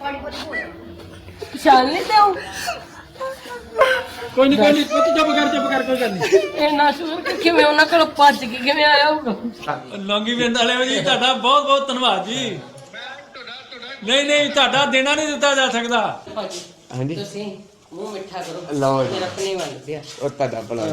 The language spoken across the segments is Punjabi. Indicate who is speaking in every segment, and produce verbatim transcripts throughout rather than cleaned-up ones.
Speaker 1: ਪਛਾਣ ਨਹੀਂ ਤੇ
Speaker 2: ਕੋਈ ਨਹੀਂ ਕੋਈ ਨਹੀਂ ਪੁੱਤ ਚੁੱਪ ਕਰ ਚੁੱਪ ਕਰ ਕੋਈ ਗੱਲ ਨਹੀਂ
Speaker 1: ਇੰਨਾ ਸ਼ੁਕਰ ਕਿ ਕਿਵੇਂ ਉਹਨਾਂ ਕੋਲ ਭੱਜ ਕੇ ਕਿਵੇਂ ਆਇਆ ਹੋਊਗਾ।
Speaker 2: ਲੌਂਗੀ ਵਿੰਦ ਵਾਲਿਓ ਜੀ ਤੁਹਾਡਾ ਬਹੁਤ ਬਹੁਤ ਧੰਨਵਾਦ ਜੀ। ਨਹੀਂ ਨਹੀਂ ਤੁਹਾਡਾ ਦੇਣਾ ਨਹੀਂ ਦਿੱਤਾ ਜਾ ਸਕਦਾ।
Speaker 1: ਹਾਂਜੀ ਤੁਸੀਂ ਮੂੰਹ ਮਿੱਠਾ ਕਰੋ
Speaker 3: ਲਓ ਜੀ।
Speaker 1: ਮੇਰਾ ਆਪਣੇ ਵੱਲ ਪਿਆ
Speaker 3: ਉਹ ਤੁਹਾਡਾ ਭਲਾ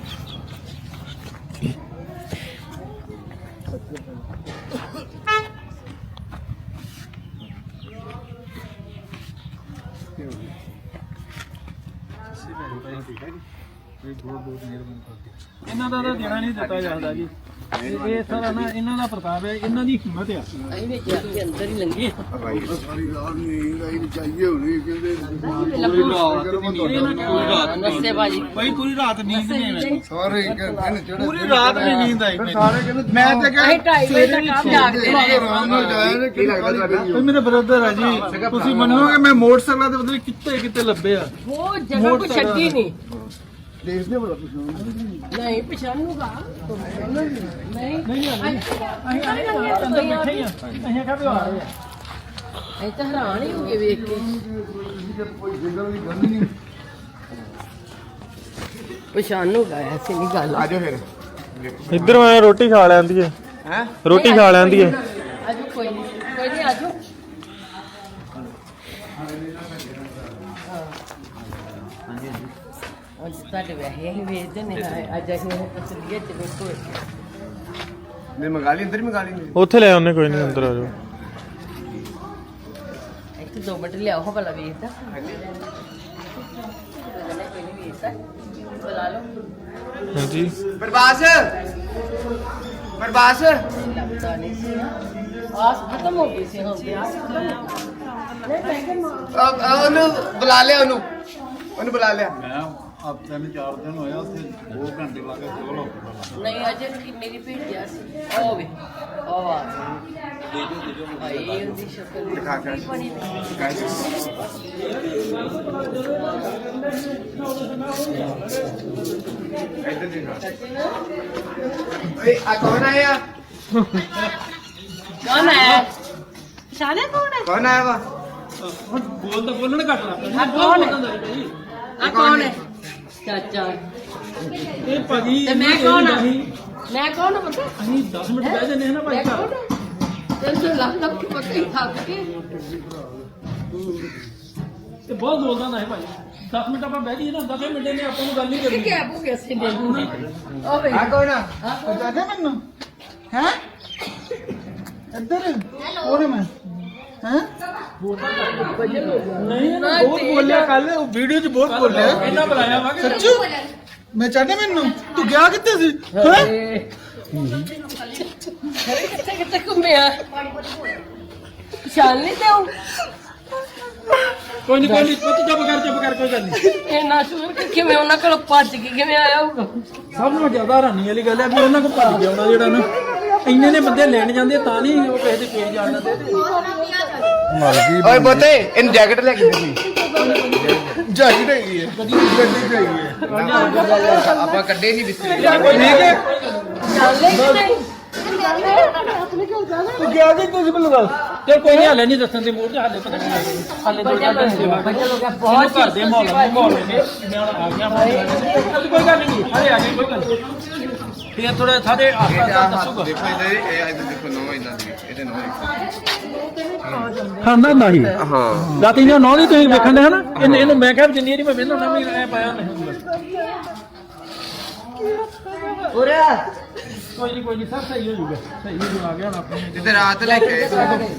Speaker 2: ਇਹਨਾਂ ਦਾ ਤਾਂ ਦੇਣਾ ਨਹੀਂ ਦਿੱਤਾ ਜਾਂਦਾ ਜੀ। ਇਹ ਸਾਰਾ ਨਾ ਇਹਨਾਂ ਦਾ ਪ੍ਰਤਾਪ ਹੈ, ਇਹਨਾਂ ਦੀ ਹਿੰਮਤ ਆ।
Speaker 1: ਅਸੀਂ ਵਿੱਚ ਆ ਕੇ ਅੰਦਰ ਹੀ ਲੰਘੇ
Speaker 4: ਭਾਈ ਸਾਰੀ ਰਾਤ ਨਹੀਂ ਆਈ ਚਾਹੀਏ ਹੋਣੀ ਕਹਿੰਦੇ
Speaker 1: ਨਸੇ ਬਾਜੀ
Speaker 2: ਭਾਈ ਪੂਰੀ ਰਾਤ ਨੀਂਦ ਨਹੀਂ ਆਈ।
Speaker 4: ਸਾਰੇ ਕਹਿੰਦੇ ਚੜੇ
Speaker 2: ਪੂਰੀ ਰਾਤ ਨਹੀਂ ਨੀਂਦ ਆਈ ਮੈਨੂੰ।
Speaker 4: ਸਾਰੇ ਕਹਿੰਦੇ ਮੈਂ ਤੇ
Speaker 1: ਅਸੀਂ ਢਾਈ ਵਜੇ ਤੱਕ ਆਪ ਜਾਗਦੇ ਰਹੇ।
Speaker 4: ਆਰਾਮ ਨਾਲ ਜਾਇਆ ਨੇ ਕੀ ਲੱਗਦਾ ਤੁਹਾਡਾ
Speaker 2: ਮੇਰੇ ਬ੍ਰਦਰ ਆ ਜੀ, ਤੁਸੀਂ ਮੰਨੋਗੇ ਮੈਂ ਮੋਟਰਸਾਈਕਲਾਂ ਦੇ ਬਦਲੇ ਕਿੱਥੇ ਕਿੱਥੇ ਲੱਭੇ ਆ।
Speaker 1: ਉਹ ਜਗ੍ਹਾ ਕੋ ਛੱਡੀ ਨਹੀਂ।
Speaker 4: ਦੇਖਦੇ ਬੜਾ ਪਛਾਣ
Speaker 1: ਨਹੀਂ ਪਛਾਣੂਗਾ ਨਹੀਂ
Speaker 2: ਨਹੀਂ ਨਹੀਂ ਅਸੀਂ ਆਏ ਅੰਦਰ ਬੈਠੇ ਹੀ ਆ। ਅਸੀਂ ਕਹਾਂ ਵੀ ਆ ਰਹੇ ਆ।
Speaker 1: ਅਸੀਂ ਤਾਂ ਹੈਰਾਨ ਹੀ ਹੋ ਗਏ ਵੇਖ ਕੇ।
Speaker 4: ਕੋਈ ਜਿੰਦਲ ਦੀ ਗੱਲ ਨਹੀਂ
Speaker 1: ਪਛਾਣੂਗਾ ਐਸੀ ਨਹੀਂ ਗੱਲ।
Speaker 4: ਆਜੋ ਫਿਰ
Speaker 5: ਇੱਧਰ ਮੈਂ ਰੋਟੀ ਖਾ ਲੈਂਦੀ ਹੈ
Speaker 4: ਹੈ
Speaker 5: ਰੋਟੀ ਖਾ ਲੈਂਦੀ ਹੈ।
Speaker 1: ਆਜੋ ਕੋਈ ਨਹੀਂ ਕੋਈ ਨਹੀਂ ਆਜੋ। ਅੱਜ ਤੁਹਾਡੇ ਵੈਸੇ ਹੀ ਵੇਚਦੇ ਨੇ ਅੱਜ ਅਸੀਂ ਪਸਲੀਏ ਚ ਵੇਖੋ
Speaker 4: ਮੈਂ ਮੰਗਾ ਲਈ ਅੰਦਰ ਹੀ ਮੰਗਾ ਲਈ
Speaker 5: ਉੱਥੇ ਲੈ ਆਉਨੇ ਕੋਈ ਨਹੀਂ ਅੰਦਰ ਆ ਜਾਓ।
Speaker 1: ਇੱਕ ਦੋ ਮਿੰਟ ਲਿਆਓ ਭਲਾ ਵੇਚਦਾ ਕੋਈ ਨਹੀਂ ਵੇਚਦਾ ਬੁਲਾ ਲਓ।
Speaker 5: ਹਾਂਜੀ
Speaker 3: ਪ੍ਰਭਾਸ ਪ੍ਰਭਾਸ
Speaker 1: ਲੱਗਦਾ ਨਹੀਂ ਸੀ ਆਸ ਖਤਮ ਹੋ ਗਈ ਸੀ ਹੁਣ ਤੇ ਆਸ ਖਤਮ ਹੋ ਗਈ। ਨਹੀਂ ਮੈਂ ਕਿਹਾ
Speaker 3: ਉਹਨੂੰ ਬੁਲਾ ਲਿਆ ਉਹਨੂੰ ਉਹਨੂੰ ਬੁਲਾ ਲਿਆ।
Speaker 4: ਮੈਂ ਆਪ ਤਿੰਨ ਚਾਰ ਦਿਨ ਹੋਇਆ ਉੱਥੇ ਦੋ ਘੰਟੇ ਲਾ ਕੇ ਕੋਲ ਹੋ
Speaker 1: ਨਹੀਂ ਅਜੇ ਕਿੰਨੇ ਦੀ ਭੇਜਿਆ ਸੀ ਉਹ ਵੇ ਉਹ ਆ ਭਾਈ ਉਹਦੀ ਸ਼ਕਲ
Speaker 3: ਦਿਖਾ ਕੇ
Speaker 1: ਬਣੀ
Speaker 3: ਇੱਧਰ ਦੇਖਾ ਓਏ ਆ ਕੌਣ ਆਇਆ
Speaker 1: ਕੌਣ ਹੈ ਸ਼ਾਨੇ ਕੌਣ ਹੈ
Speaker 3: ਕੌਣ ਆਇਆ ਵਾ
Speaker 2: ਹੁਣ ਬੋਲ ਤਾਂ ਬੋਲਣ ਘੱਟ ਲੱਗ
Speaker 1: ਆ ਕੌਣ ਹੈ ਆ ਕੌਣ ਹੈ ਚਾਚਾ
Speaker 2: ਇਹ ਭਾਜੀ
Speaker 1: ਤੇ ਮੈਂ ਕੌਣ ਆ ਮੈਂ ਕੌਣ ਹਾਂ ਪਤਾ
Speaker 2: ਅਸੀਂ ਦਸ ਮਿੰਟ ਬਹਿ ਜਾਂਦੇ ਹਾਂ ਨਾ ਭਾਈ
Speaker 1: ਮੈਂ
Speaker 2: ਘਰ।
Speaker 1: ਕੌਣ ਹੈ ਤੈਨੂੰ ਲੱਗ ਲੱਗ ਕੇ ਪਤਾ ਹੀ ਥੱਕ ਕੇ
Speaker 2: ਤੇ ਬਹੁਤ ਬੋਲਦਾ ਹੁੰਦਾ ਹੈ ਭਾਈ। ਦਸ ਮਿੰਟ ਆਪਾਂ ਬਹਿ ਜਾਈਏ ਨਾ ਦਸ ਮਿੰਟ ਨੇ ਆਪਾਂ ਨੂੰ ਗੱਲ ਨਹੀਂ ਕਰਨੀ।
Speaker 1: ਕਿ ਆਬੂ कैसे दे दूंगी ओ भाई
Speaker 3: ਆ ਕੌਣ ਆ
Speaker 4: ਪਛਾਣਿਆ ਮੈਨੂੰ ਹੈ ਇੱਧਰ ਕੋਣ ਮੈਂ ਹੈ
Speaker 2: ਨਹੀਂ
Speaker 1: ना
Speaker 2: ਬਹੁਤ ਬੋਲਿਆ ਕੱਲ ਵੀਡੀਓ 'ਚ ਬਹੁਤ ਬੋਲਿਆ। ਇਹਨਾਂ ਬੁਲਾਇਆ ਵਾ ਕਿ
Speaker 4: ਸੱਚੂ ਮੈਂ ਚਾਹਨੇ ਮੈਨੂੰ ਤੂੰ ਗਿਆ ਕਿੱਥੇ ਸੀ ਹੈ
Speaker 1: अरे कितने कितने घूमे आ पहचान नहीं दे
Speaker 2: ਕੋਈ ਨਹੀਂ ਕੋਈ ਨਹੀਂ ਪੁੱਤ ਚੁੱਪ ਕਰ ਚੁੱਪ ਕਰ ਕੋਈ ਗੱਲ ਨਹੀਂ।
Speaker 1: ਇੰਨਾ ਸ਼ੁਕਰ ਕਿ ਕਿਵੇਂ ਉਹਨਾਂ ਕੋਲ ਭੱਜ ਕੇ ਕਿਵੇਂ ਆਇਆ ਹੋਊਗਾ।
Speaker 2: ਸਭ ਨੂੰ ਜ਼ਿਆਦਾ ਹੈਰਾਨੀ ਵਾਲੀ ਗੱਲ ਹੈ ਵੀ ਉਹਨਾਂ ਕੋਲ ਭੱਜ ਗਿਆ ਉਹਨਾਂ ਜਿਹੜਾ ਨਾ ਇੰਨੇ ਨੇ ਬੰਦੇ ਲੈਣ ਜਾਂਦੇ ਤਾਂ ਨਹੀਂ ਉਹ ਕਿਸੇ ਦੇ ਪੇਜ ਜਾਣ ਦਿੰਦੇ।
Speaker 3: ਓਏ ਬੋਤੇ ਇਹਨੂੰ ਜੈਕਟ ਲੈ ਕੇ ਦੇ
Speaker 4: ਜਾਈ ਰਹੀ ਹੈ ਗੱਡੀ ਜਾਈ ਹੈ
Speaker 3: ਆਪਾਂ ਕੱਢੇ ਨਹੀਂ ਬਿਸਤਰੇ
Speaker 2: ਕੋਈ ਨਹੀਂ ਕਿ
Speaker 1: ਚੱਲ ਲੈ ਕਿ ਨਹੀਂ
Speaker 2: ਤੂੰ ਗਿਆ ਕਿ ਤੁਸੀਂ ਮੈਨੂੰ ਦੱਸ। ਤੇ ਕੋਈ ਨਹੀਂ ਹਾਲੇ ਨਹੀਂ ਦੱਸਣ ਦੇ ਮੂਡ ਤੇ ਹਾਲੇ ਪਤਾ ਨਹੀਂ ਹਾਲੇ ਦੋ ਚਾਰ ਦਿਨ ਸੇਵਾ ਬਹੁਤ ਘਰ ਦੇ ਮਾਹੌਲ ਮਾਹੌਲ ਨੇ ਮੈਂ ਹੁਣ ਆ ਗਿਆ ਹੁਣ ਕੋਈ ਗੱਲ ਨਹੀਂ ਹਾਲੇ ਆ ਗਏ ਕੋਈ ਗੱਲ ਨਹੀਂ। ਫਿਰ ਥੋੜਾ ਸਾਰੇ ਆਸਤਾ ਦੱਸੂਗਾ।
Speaker 3: ਦੇਖੋ ਇਹਦੇ ਇਹ ਇਹਦੇ ਦੇਖੋ ਨੋ ਇਦਾਂ ਦੀ ਇਹਦੇ ਨੋ
Speaker 2: ਖਾਂਦਾ ਨਹੀਂ
Speaker 3: ਹਾਂ
Speaker 2: ਰਾਤੀ ਨੇ ਨੌ ਦੀ ਤੁਸੀਂ ਵੇਖਣ ਦੇ ਹਨਾ ਇਹਨੂੰ ਇਹਨੂੰ ਮੈਂ ਕਿਹਾ ਜਿੰਨੀ ਵਾਰੀ ਮੈਂ ਵੇਖਦਾ ਨਾ ਵੀ ਐ ਪਾਇਆ ਨਹੀਂ ਹੁੰਦਾ।
Speaker 3: ਉਰੇ
Speaker 2: ਕੋਈ ਨਹੀਂ ਕੋਈ ਨਹੀਂ ਸਭ ਸਹੀ ਹੋ ਜਾਊਗਾ ਸਹੀ ਹੋ ਜਾਊਗਾ ਆ ਗਿਆ ਹੁਣ ਆਪਣੇ
Speaker 3: ਜਿੱਦੇ ਰਾਤ ਲੈ ਕੇ ਆਏ ਸੀ।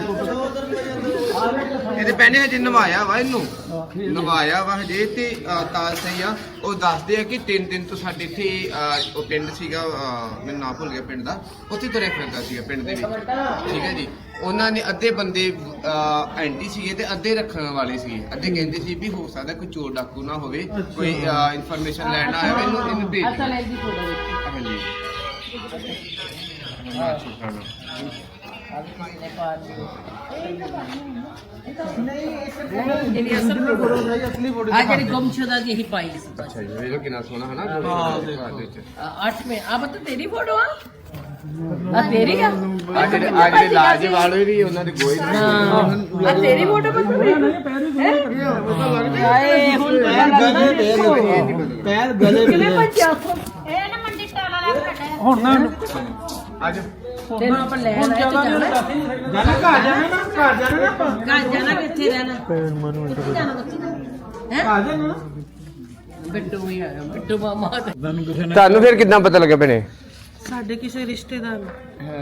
Speaker 3: ਇਹਦੇ ਪਹਿਨੇ ਹਜੇ ਨਵਾਇਆ ਵਾ ਇਹਨੂੰ ਨਵਾਇਆ ਵਾ ਹਜੇ ਤੇ ਅਹ, ਤਾਂ ਸਹੀ ਆ ਉਹ ਦੱਸਦੇ ਆ ਕਿ ਤਿੰਨ ਦਿਨ ਤੋਂ ਸਾਡੇ ਇੱਥੇ ਅਹ, ਉਹ ਪਿੰਡ ਸੀਗਾ ਅਹ, ਮੈਨੂੰ ਨਾਂ ਭੁੱਲ ਗਿਆ ਪਿੰਡ ਦਾ ਉੱਥੇ ਤੁਰਿਆ ਫਿਰਦਾ ਸੀਗਾ ਪਿੰਡ ਦੇ ਵਿੱਚ ਠੀਕ ਹੈ ਜੀ। ਉਹਨਾਂ ਨੇ ਅੱਧੇ ਬੰਦੇ ਅਹ, ਐਂਟੀ ਸੀਗੇ ਤੇ ਅੱਧੇ ਰੱਖਣ ਵਾਲੇ ਸੀਗੇ। ਅੱਧੇ ਕਹਿੰਦੇ ਸੀ ਵੀ ਹੋ ਸਕਦਾ ਕੋਈ ਚੋਰ ਡਾਕੂ ਨਾ ਹੋਵੇ ਕੋਈ ਇਨਫੋਰਮੇਸ਼ਨ ਲੈਣ ਆਇਆ ਹੋਵੇ, ਇਹਨੂੰ ਇਹਨੂੰ ਭੇਜ
Speaker 1: ਅਸਲ
Speaker 3: ਦਿਓ।
Speaker 1: ਇਹਦੀ ਫੋਟੋ ਦੇਖੀ
Speaker 3: ਹਾਂਜੀ
Speaker 1: ਨੇ ਪਾਰ ਨਹੀਂ ਅਸਲ ਫੋਟੋ ਆ ਜਿਹੜੀ ਗੁੰਮਸ਼ੁਦਾ ਦੀ ਹੀ ਪਾਈ ਸੀ
Speaker 3: ਅੱਛਾ ਜੀ ਇਹ ਕਿੰਨਾ ਸੋਹਣਾ ਹੈ ਨਾ
Speaker 2: ਹਾਂ,
Speaker 3: ਘਰ ਦੇ ਵਿੱਚ।
Speaker 1: आठ में अब तो तेरी फोटो आ ਆ ਤੇਰੀ ਆ
Speaker 3: ਆ ਜਿਹੜੇ ਆ ਜਿਹੜੇ ਲਾਜ ਵਾਲੇ ਵੀ ਉਹਨਾਂ ਦੇ ਗੋਏ
Speaker 1: ਆ ਤੇਰੀ ਫੋਟੋ ਪਈ ਹਾਏ ਹੁਣ
Speaker 4: ਪੈਰ ਗਲੇ
Speaker 1: ਕਿਵੇਂ ਭੱਜਿਆ
Speaker 6: ਇਹ ਨਾ ਮੰਡੀ ਟਾਲਾ ਲੈ ਕੇ
Speaker 2: ਹੁਣ ਨਾ
Speaker 3: ਅੱਜ
Speaker 1: ਤੈਨੂੰ ਆਪਾਂ ਲੈਣ ਆਏ ਤੇ ਜਾਣਾ
Speaker 4: ਜਾਣਾ ਘਰ ਜਾਣਾ ਨਾ ਘਰ ਜਾਣਾ ਨਾ ਆਪਾਂ
Speaker 1: ਘਰ ਜਾਣਾ ਕਿੱਥੇ ਰਹਿਣਾ
Speaker 5: ਭੈਣ ਮਨੂੰ ਇੰਟਰ
Speaker 1: ਜਾਣਾ ਬੱਚੀ
Speaker 4: ਘਰ ਜਾਣਾ
Speaker 1: ਬਿੱਟੂ ਵੀ ਆਇਆ ਬਿੱਟੂ ਮਾਮਾ ਤੇ
Speaker 2: ਤੁਹਾਨੂੰ ਕਿਸੇ ਨੇ
Speaker 3: ਤੁਹਾਨੂੰ ਫਿਰ ਕਿੱਦਾਂ ਪਤਾ ਲੱਗਿਆ ਭੈਣੇ
Speaker 7: ਸਾਡੇ ਕਿਸੇ ਰਿਸ਼ਤੇਦਾਰ ਨੂੰ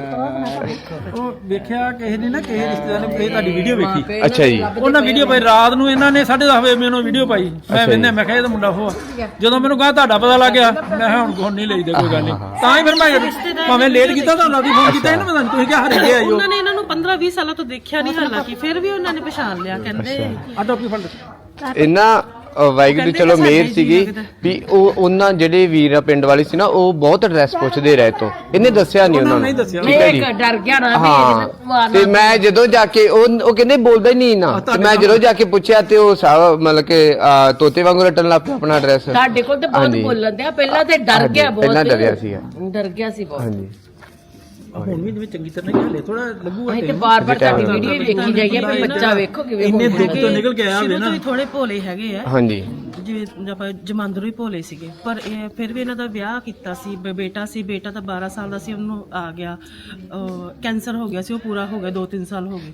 Speaker 2: ਉਹ ਵੇਖਿਆ ਕਿਸੇ ਨੇ ਨਾ ਕਿਸੇ ਰਿਸ਼ਤੇਦਾਰ ਨੇ ਇਹ ਤੁਹਾਡੀ ਵੀਡੀਓ ਵੇਖੀ
Speaker 3: ਅੱਛਾ ਜੀ
Speaker 2: ਉਹਨਾਂ ਵੀਡੀਓ ਪਾਈ ਰਾਤ ਨੂੰ ਇਹਨਾਂ ਨੇ ਸਾਢੇ ਦਸ ਵਜੇ ਮੈਨੂੰ ਵੀਡੀਓ ਪਾਈ ਮੈਂ ਵੇਖਿਆ ਮੈਂ ਕਿਹਾ ਇਹ ਤਾਂ ਮੁੰਡਾ ਉਹ ਆ। ਜਦੋਂ ਮੈਨੂੰ ਕਹਾ ਤੁਹਾਡਾ ਪਤਾ ਲੱਗ ਗਿਆ ਮੈਂ ਕਿਹਾ ਹੁਣ ਕੋਣ ਨਹੀਂ ਲਈਦਾ ਕੋਈ ਗੱਲ ਨਹੀਂ ਤਾਂ ਹੀ ਫਿਰ ਮੈਂ ਭਾਵੇਂ ਲੇਟ ਕੀਤਾ ਤੁਹਾਨੂੰ ਵੀ ਫੋਨ ਕੀਤਾ ਇਹਨਾਂ ਮੈਂ ਤੁਸੀਂ ਕਿਹਾ ਹਰੇ ਗਏ ਆਇਓ
Speaker 7: ਉਹਨਾਂ ਨੇ ਇਹਨਾਂ ਨੂੰ ਪੰਦਰਾਂ ਵੀਹ ਸਾਲਾਂ ਤੋਂ ਦੇਖਿਆ ਨਹੀਂ ਹਾਲਾਂਕਿ ਫਿਰ ਵੀ ਉਹਨਾਂ ਨੇ ਪਛਾਣ ਲਿਆ ਕਹਿੰਦੇ
Speaker 2: ਆ ਟੋਪੀ ਫੜ ਲਓ।
Speaker 3: ਇਹਨਾਂ ਅ, ਵਾਹਿਗੁਰੂ ਚਲੋ ਮਿਹਰ ਸੀਗੀ ਵੀ ਉਹ ਉਹਨਾਂ ਜਿਹੜੇ ਵੀਰਾ ਪਿੰਡ ਵਾਲੇ ਸੀ ਨਾ ਉਹ ਬਹੁਤ ਐਡਰੈਸ ਪੁੱਛਦੇ ਰਹੇ ਤੋਂ ਇਹਨੇ ਦੱਸਿਆ ਨਹੀਂ ਉਹਨਾਂ
Speaker 2: ਨਹੀਂ
Speaker 3: ਨੂੰ
Speaker 2: ਦੱਸਿਆ
Speaker 3: ਠੀਕ ਹੈ ਜੀ
Speaker 1: ਇੱਕ ਡਰ ਗਿਆ ਨਾ ਵੀ
Speaker 3: ਹਾਂ ਤੇ ਮੈਂ ਜਦੋਂ ਜਾ ਕੇ ਉਹ ਉਹ ਕਹਿੰਦੇ ਬੋਲਦਾ ਹੀ ਨਹੀਂ ਨਾ ਤੇ ਮੈਂ ਜਦੋਂ ਜਾ ਕੇ ਪੁੱਛਿਆ ਤੇ ਉਹ ਸਾਰਾ ਮਤਲਬ ਕਿ ਅ, ਤੋਤੇ ਵਾਂਗੂ ਰਟਣ ਲੱਗ ਪਿਆ ਆਪਣਾ ਐਡਰੈਸ
Speaker 1: ਸਾਡੇ ਕੋਲ ਤੇ ਬਹੁਤ
Speaker 3: ਹਾਂਜੀ।
Speaker 1: ਬੋਲਣ ਦਿਆ ਪਹਿਲਾਂ ਤੇ ਡਰ ਗਿਆ ਬਹੁਤ
Speaker 3: ਪਹਿਲਾਂ ਡਰਿਆ ਸੀਗਾ
Speaker 1: ਡਰ ਗਿਆ ਸੀ ਬਹੁਤ
Speaker 3: ਹਾਂਜੀ
Speaker 2: ਹੁਣ ਵੀ ਜਿਵੇਂ ਚੰਗੀ ਤਰ੍ਹਾਂ ਨਹੀਂ ਹਲੇ ਥੋੜਾ ਲੱਗੂਗਾ
Speaker 1: ਅਸੀਂ ਤੇ ਬਾਰ-ਬਾਰ ਤੁਹਾਡੀ ਵੀਡੀਓ ਹੀ ਵੇਖੀ ਜਾਈਏ ਵੀ ਬੱਚਾ ਵੇਖੋ ਕਿਵੇਂ
Speaker 2: ਇੰਨੇ
Speaker 1: ਹੁੰਦਾ।
Speaker 2: ਦੁੱਖ ਤੋਂ ਨਿਕਲ ਕੇ ਆਇਆ ਹੋਵੇ
Speaker 7: ਸ਼ੁਰੂ
Speaker 2: ਨਾ
Speaker 7: ਤੋਂ ਹੀ ਥੋੜੇ ਭੋਲੇ ਹੈਗੇ ਆ
Speaker 3: ਹਾਂਜੀ
Speaker 7: ਜਿਵੇਂ ਆਪਾਂ ਜਮਾਂਦਰੂ ਹੀ ਭੋਲੇ ਸੀਗੇ ਪਰ ਇਹ ਫਿਰ ਵੀ ਇਹਨਾਂ ਦਾ ਵਿਆਹ ਕੀਤਾ ਸੀ ਬ- ਬੇਟਾ ਸੀ ਬੇਟਾ ਤਾਂ ਬਾਰਾਂ ਸਾਲ ਦਾ ਸੀ ਉਹਨੂੰ ਆ ਗਿਆ ਕੈਂਸਰ ਹੋ ਗਿਆ ਸੀ ਉਹ ਪੂਰਾ ਹੋ ਗਿਆ ਦੋ ਤਿੰਨ ਸਾਲ ਹੋ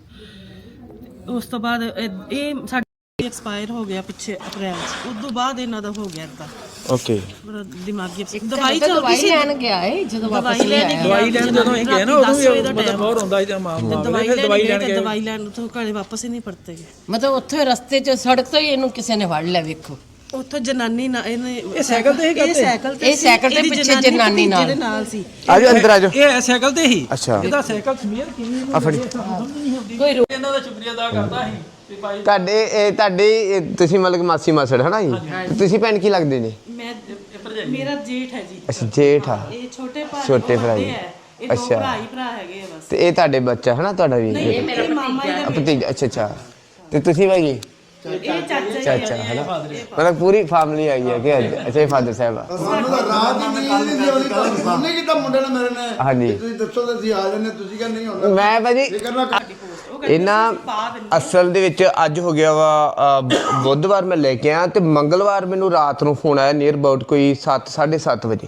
Speaker 7: ਗਏ ਉਸ ਤੋਂ ਬਾਅਦ ਇਹ- ਇਹ ਸਾਡੇ ਐਕਸਪਾਇਰ ਹੋ ਗਿਆ ਪਿੱਛੇ ਅਪ੍ਰੈਲ ਚ ਉਸ ਤੋਂ ਬਾਅਦ ਇਹਨਾਂ ਦਾ ਹੋ ਗਿਆ ਇਦਾਂ
Speaker 3: ਓਕੇ
Speaker 7: ਬੜਾ ਦਿਮਾਗੀ
Speaker 1: ਦਵਾਈ
Speaker 7: ਦਵਾਈ ਚੱਲਦੀ
Speaker 1: ਦਵਾਈ
Speaker 7: ਸੀ
Speaker 1: ਲੈਣ ਗਿਆ ਏ ਜਦੋਂ ਵਾਪਸ
Speaker 7: ਦਵਾਈ ਲੈਣ
Speaker 1: ਲਿਆਇਆ।
Speaker 2: ਦਵਾਈ ਲੈਣ ਜਦੋਂ ਇਹ ਗਏ ਨਾ ਉਦੋਂ ਵੀ ਮਤਲਬ ਬਹੁਤ ਹੁੰਦਾ ਸੀ ਤੇ ਮਾਂ
Speaker 7: ਤੇ
Speaker 2: ਮਾਂ
Speaker 7: ਦਵਾਈ
Speaker 2: ਫਿਰ
Speaker 7: ਲੈਣ
Speaker 2: ਦਵਾਈ
Speaker 7: ਗਏ
Speaker 2: ਲੈਣ
Speaker 7: ਤੇ
Speaker 2: ਗਏ
Speaker 7: ਦਵਾਈ ਲੈਣ ਤੋਂ ਘਰੇ ਵਾਪਸ ਹੀ ਨਹੀਂ ਪਰਤੇ ਗਏ
Speaker 1: ਮਤਲਬ ਉੱਥੇ ਰਸਤੇ 'ਚ ਸੜਕ ਤੋਂ ਹੀ ਇਹਨੂੰ ਕਿਸੇ ਨੇ ਫੜ ਲਿਆ ਵੇਖੋ
Speaker 7: ਉੱਥੋਂ ਜਨਾਨੀ ਨਾ ਇਹਨੇ
Speaker 2: ਇਹ ਸਾਈਕਲ ਤੇ ਹੀ
Speaker 7: ਇਹ
Speaker 2: ਕਰਦੇ?
Speaker 7: ਸਾਈਕਲ ਤੇ
Speaker 1: ਇਹ
Speaker 7: ਸੀ,
Speaker 1: ਸਾਈਕਲ ਤੇ
Speaker 7: ਇਹਦੀ
Speaker 1: ਪਿੱਛੇ ਜਨਾਨੀ ਨਾਲ।
Speaker 7: ਭਤੀਜੇ ਦੇ ਨਾਲ ਸੀ
Speaker 3: ਆਜੋ ਅੰਦਰ ਆਜੋ
Speaker 2: ਇਹ ਸਾਈਕਲ ਤੇ ਹੀ
Speaker 3: ਅੱਛਾ
Speaker 2: ਇਹਦਾ ਸਾਈਕਲ ਸਮੀਰ ਕਿਵੇਂ
Speaker 3: ਆ ਫੜੀ
Speaker 1: ਕੋਈ ਰੋ-
Speaker 2: ਇਹਨਾਂ ਦਾ ਸ਼ੁਕਰੀਆ ਅਦਾ ਕਰਦਾ ਸੀ ਤੇ ਭਾਈ
Speaker 3: ਤੁਹਾਡੇ ਇਹ ਤੁਹਾਡੇ ਇਹ ਤੁਸੀਂ ਮਤਲਬ ਕਿ ਮਾਸੀ ਮਾਸੜ ਹਨਾ ਜੀ ਤੁਸੀਂ ਭੈਣ ਕੀ ਲੱਗਦੇ ਨੇ
Speaker 7: ਮੈਂ ਮੇਰਾ ਜੇਠ ਹੈ ਜੀ
Speaker 3: ਅੱਛਾ ਜੇਠ ਆ
Speaker 7: ਇਹ ਛੋਟੇ ਭਰਾ
Speaker 3: ਛੋਟੇ ਭਰਾ ਜੀ।
Speaker 7: ਹੈ ਇਹ ਦੋ
Speaker 3: ਅੱਛਾ।
Speaker 7: ਭਰਾ ਹੀ ਭਰਾ ਹੈਗੇ ਆ ਬਸ
Speaker 3: ਤੇ ਇਹ ਤੁਹਾਡੇ ਬੱਚਾ ਹਨਾ ਤੁਹਾਡਾ ਵੀ
Speaker 7: ਇਹ ਮੇਰਾ ਮਾਮਾ
Speaker 3: ਆ ਭਤੀਜਾ ਅੱਛਾ ਅੱਛਾ ਤੇ ਤੁਸੀਂ ਭਾਈ ਜੀ
Speaker 7: ਇਹ ਚਾਚਾ ਹੀ
Speaker 3: ਚਾਚਾ ਹਨਾ ਮਤਲਬ ਪੂਰੀ ਫੈਮਿਲੀ ਆਈ ਹੈ ਕਿ ਅੱਜ ਅੱਛਾ ਇਹ ਫਾਦਰ ਸਾਹਿਬ ਆ
Speaker 4: ਸਾਨੂੰ ਤਾਂ ਰਾਤ ਹੀ ਨੀਂਦ ਨਹੀਂ ਆਉਂਦੀ ਤੁਹਾਨੂੰ ਫੋਨ ਨਹੀਂ ਕੀਤਾ ਮੁੰਡੇ ਨੇ ਮੇਰੇ ਨੇ
Speaker 3: ਹਾਂਜੀ।
Speaker 4: ਤੁਸੀਂ ਦੱਸੋ ਤਾਂ ਅਸੀਂ ਆ ਜੰਨੇ ਤੁਸੀਂ ਕਹਿੰਦੇ ਨਹੀਂ ਹੁੰਦਾ
Speaker 3: ਮੈਂ ਭਾਜੀ
Speaker 4: ਇਹ ਕਰਨਾ
Speaker 3: ਇਹਨਾਂ ਅਸਲ ਦੇ ਵਿੱਚ ਅੱਜ ਹੋ ਗਿਆ ਵਾ ਅ, ਬੁੱਧਵਾਰ ਮੈਂ ਲੈ ਕੇ ਆਇਆ ਤੇ ਮੰਗਲਵਾਰ ਮੈਨੂੰ ਰਾਤ ਨੂੰ ਫੋਨ ਆਇਆ ਨੀਅਰ ਅਬਾਊਟ ਕੋਈ ਸੱਤ ਸਾਢੇ ਸੱਤ ਵਜੇ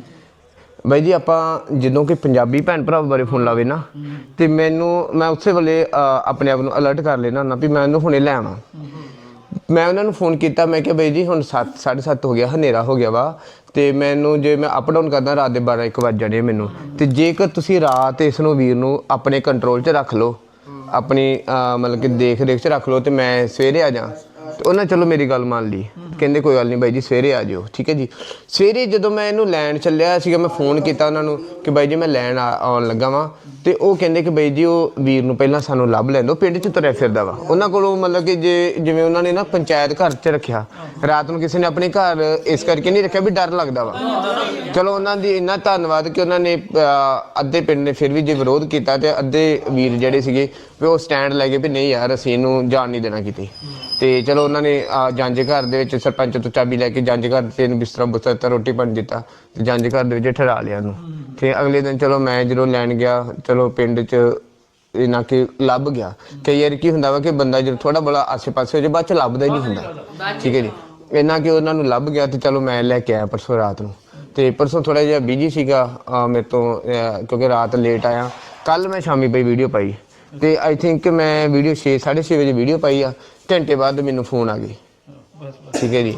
Speaker 3: ਬਾਈ ਜੀ ਆਪਾਂ ਜਦੋਂ ਕਿ ਪੰਜਾਬੀ ਭੈਣ ਭਰਾ ਬਾਰੇ ਫੋਨ ਲਾਵੇ ਨਾ ਤੇ ਮੈਨੂੰ ਮੈਂ ਉਸੇ ਵੇਲੇ ਅ, ਆਪਣੇ ਆਪ ਨੂੰ ਅਲਰਟ ਕਰ ਲੈਣਾ ਹੁੰਦਾ ਵੀ ਮੈਂ ਉਹਨੂੰ ਹੁਣੇ ਲੈ ਆਵਾਂ ਮੈਂ ਉਹਨਾਂ ਨੂੰ ਫੋਨ ਕੀਤਾ ਮੈਂ ਕਿਹਾ ਬਾਈ ਜੀ ਹੁਣ ਸੱਤ ਸਾਢੇ ਸੱਤ ਹੋ ਗਿਆ ਹਨੇਰਾ ਹੋ ਗਿਆ ਵਾ ਤੇ ਮੈਨੂੰ ਜੇ ਮੈਂ ਅਪ ਡਾਊਨ ਕਰਦਾ ਰਾਤ ਦੇ ਬਾਰਾਂ ਇੱਕ ਵੱਜ ਜਾਣੇ ਮੈਨੂੰ ਤੇ ਜੇਕਰ ਤੁਸੀਂ ਰਾਤ ਇਸ ਨੂੰ ਵੀਰ ਨੂੰ ਆਪਣੇ ਕੰਟਰੋਲ 'ਚ ਰੱਖ ਲਓ ਆਪਣੀ ਅਹ, ਮਤਲਬ ਕਿ ਦੇਖ ਰੇਖ 'ਚ ਰੱਖ ਲਓ ਤੇ ਮੈਂ ਸਵੇਰੇ ਆ ਜਾ ਤੇ ਉਹਨਾਂ ਚਲੋ ਮੇਰੀ ਗੱਲ ਮੰਨ ਲਈ ਕਹਿੰਦੇ ਕੋਈ ਗੱਲ ਨਹੀਂ ਬਾਈ ਜੀ ਸਵੇਰੇ ਆ ਜਿਓ ਠੀਕ ਹੈ ਜੀ ਸਵੇਰੇ ਜਦੋਂ ਮੈਂ ਇਹਨੂੰ ਲੈਣ ਚੱਲਿਆ ਸੀਗਾ ਮੈਂ ਫੋਨ ਕੀਤਾ ਉਹਨਾਂ ਨੂੰ ਕਿ ਬਾਈ ਜੀ ਮੈਂ ਲੈਣ ਆ- ਆਉਣ ਲੱਗਾ ਵਾਂ ਤੇ ਉਹ ਕਹਿੰਦੇ ਕਿ ਬਾਈ ਜੀ ਉਹ ਵੀਰ ਨੂੰ ਪਹਿਲਾਂ ਸਾਨੂੰ ਲੱਭ ਲੈਣ ਦਿਓ ਪਿੰਡ 'ਚ ਤੁਰਿਆ ਫਿਰਦਾ ਵਾ ਉਹਨਾਂ ਕੋਲੋਂ ਮਤਲਬ ਕਿ ਜੇ ਜਿਵੇਂ ਉਹਨਾਂ ਨੇ ਨਾ ਪੰਚਾਇਤ ਘਰ 'ਚ ਰੱਖਿਆ ਰਾਤ ਨੂੰ ਕਿਸੇ ਨੇ ਆਪਣੇ ਘਰ ਇਸ ਕਰਕੇ ਨਹੀਂ ਰੱਖਿਆ ਵੀ ਡਰ ਲੱਗਦਾ ਵਾ ਚਲੋ ਉਹਨਾਂ ਦੀ ਇੰਨਾ ਧੰਨਵਾਦ ਕਿ ਉਹਨਾਂ ਨੇ ਅਹ, ਅੱਧੇ ਪਿੰਡ ਨੇ ਫਿਰ ਵੀ ਜੇ ਵਿਰੋਧ ਕੀਤਾ ਤੇ ਅੱਧੇ ਵੀਰ ਜਿਹੜੇ ਸੀਗੇ ਵੀ ਉਹ ਸਟੈਂਡ ਲੈ ਗਏ ਵੀ ਨਹੀਂ ਯਾਰ ਅਸੀਂ ਇਹਨੂੰ ਜਾਣ ਨਹੀਂ ਦੇਣਾ ਕਿਤੇ ਤੇ ਚਲੋ ਉਹਨਾਂ ਨੇ ਅਹ, ਜੰਝ ਘਰ ਦੇ ਵਿੱਚ ਸਰਪੰਚ ਤੋਂ ਚਾਬੀ ਲੈ ਕੇ ਜੰਝ ਘਰ ਤੇ ਇਹਨੂੰ ਬਿਸਤਰਾ ਬੁਸਤਰਾ ਦਿੱਤਾ ਰੋਟੀ ਪਾਣੀ ਦਿੱਤਾ ਤੇ ਜੰਝ ਘਰ ਦੇ ਵਿੱਚ ਠਹਿਰਾ ਲਿਆ ਉਹਨੂੰ ਤੇ ਅਗਲੇ ਦਿਨ ਚਲੋ ਮੈਂ ਜਦੋਂ ਲੈਣ ਗਿਆ ਚਲੋ ਪਿੰਡ 'ਚ ਇਹਨਾਂ ਕਿ ਲੱਭ ਗਿਆ ਕਈ ਵਾਰ ਕੀ ਹੁੰਦਾ ਵਾ ਕਿ ਬੰਦਾ ਜਦੋਂ ਥੋੜਾ ਬੜਾ ਆਸੇ-ਪਾਸੇ ਹੋ ਜਾਏ ਬਾਅਦ 'ਚ ਲੱਭਦਾ ਹੀ ਨਹੀਂ ਹੁੰਦਾ ਠੀਕ ਹੈ ਜੀ ਇਹਨਾਂ ਕਿ ਉਹਨਾਂ ਨੂੰ ਲੱਭ ਗਿਆ ਤੇ ਚਲੋ ਮੈਂ ਲੈ ਕੇ ਆਇਆ ਪਰਸੋਂ ਰਾਤ ਨੂੰ ਤੇ ਪਰਸੋਂ ਥੋੜਾ ਜਿਹਾ ਬਿਜੀ ਸੀਗਾ ਅਹ, ਮੇਰੇ ਤੋਂ ਅਹ, ਕਿਉਂਕਿ ਰਾਤ ਲੇਟ ਆਇਆ ਕੱਲ ਮੈਂ ਸ਼ਾਮੀ ਪਈ ਵੀਡੀਓ ਪਾਈ ਤੇ ਆਈ ਥਿੰਕ ਮੈਂ ਵੀਡੀਓ ਛੇ ਸਾਢੇ ਛੇ ਵਜੇ ਵੀਡੀਓ ਪਾਈ ਆ ਘੰਟੇ ਬਾਅਦ ਮੈਨੂੰ ਫੋਨ ਆ ਗਈ ਠੀਕ ਹੈ ਜੀ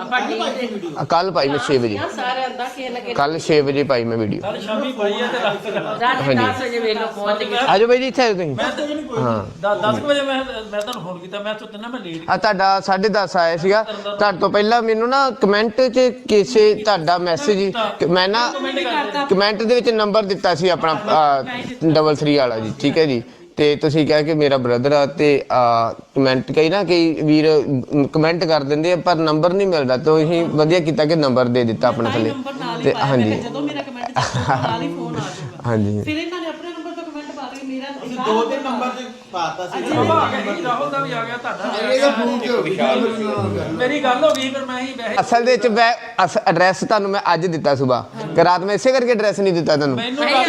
Speaker 3: ਕੱਲ ਪਾਈ ਮੈਂ ਛੇ ਵਜੇ
Speaker 1: ਸਾਰਿਆਂ ਦਾ ਕਿਸੇ ਨਾ ਕਿਸੇ
Speaker 3: ਕੱਲ ਛੇ ਵਜੇ ਪਾਈ ਮੈਂ ਵੀਡੀਓ
Speaker 2: ਕੱਲ ਸ਼ਾਮੀ ਪਾਈ ਹੈ ਤੇ ਰਾਤ ਤੱਕ
Speaker 1: ਰਾਤ ਦਸ ਵਜੇ ਵੇਲੋ ਪਹੁੰਚ ਗਏ
Speaker 3: ਆਜੋ ਬਾਈ ਜੀ ਇੱਥੇ ਆਜੋ ਤੁਸੀਂ
Speaker 2: ਮੈਂ ਤਾਂ ਨਹੀਂ ਕੋਈ ਦਸ ਵਜੇ ਮੈਂ ਮੈਂ ਤੁਹਾਨੂੰ ਫੋਨ ਕੀਤਾ ਮੈਂ ਸੁੱਤੇ ਨਾ ਮੈਂ ਲੇਟ
Speaker 3: ਆ ਤੁਹਾਡਾ ਸਾਢੇ ਦਸ ਆਇਆ ਸੀਗਾ ਤੁਹਾਡੇ ਤੋਂ ਪਹਿਲਾਂ ਮੈਨੂੰ ਨਾ ਕਮੈਂਟ 'ਚ ਕਿਸੇ ਤੁਹਾਡਾ ਮੈਸੇਜ ਮੈਂ ਨਾ ਕਮੈਂਟ ਦੇ ਵਿੱਚ ਨੰਬਰ ਦਿੱਤਾ ਸੀ ਆਪਣਾ ਡਬਲ ਥਰੀ ਵਾਲਾ ਜੀ ਠੀਕ ਹੈ ਜੀ ਤੇ ਤੁਸੀਂ ਕਿਹਾ ਕਿ ਮੇਰਾ ਬ੍ਰਦਰ ਆ ਤੇ ਕਮੈਂਟ ਕਈ ਨਾ ਕਈ ਵੀਰ ਕਮੈਂਟ ਕਰ ਦਿੰਦੇ ਆ ਪਰ ਨੰਬਰ ਨਹੀਂ ਮਿਲਦਾ ਤਾਂ ਅਸੀਂ ਵਧੀਆ ਕੀਤਾ ਕਿ ਨੰਬਰ ਦੇ ਦਿੱਤਾ ਆਪਣੇ ਥੱਲੇ ਤੇ ਹਾਂਜੀ
Speaker 7: ਜਦੋਂ ਮੇਰਾ ਕਮੈਂਟ ਚੱਕਦਾ ਨਾਲ ਹੀ ਫੋਨ ਆ ਜਾਊਗਾ
Speaker 3: ਹਾਂਜੀ
Speaker 7: ਫਿਰ ਇਹਨਾਂ ਨੇ ਆਪਣੇ ਨੰਬਰ ਤੋਂ ਕਮੈਂਟ ਪਾ ਕੇ ਮੇਰਾ
Speaker 4: ਦੋ ਤਿੰਨ ਨੰਬਰ ਤੇ
Speaker 2: ਬਾਬਾ ਆ ਗਿਆ ਜੀ, ਰਾਹੁਲ ਦਾ ਵੀ ਆ ਗਿਆ, ਤੁਹਾਡਾ ਵੀ ਆ ਗਿਆ। ਮੇਰੀ ਗੱਲ ਹੋ ਗਈ ਫਿਰ ਮੈਂ ਹੀ ਵੈਸੇ
Speaker 3: ਅਸਲ ਦੇ ਵਿੱਚ ਮੈਂ ਐਡਰੈਸ ਤੁਹਾਨੂੰ ਮੈਂ ਅੱਜ ਦਿੱਤਾ ਸਵੇਰ ਕਿ ਰਾਤ ਮੈਂ ਇਸੇ ਕਰਕੇ ਐਡਰੈਸ ਨਹੀਂ ਦਿੱਤਾ ਤੁਹਾਨੂੰ
Speaker 2: ਮੈਨੂੰ ਗੱਲ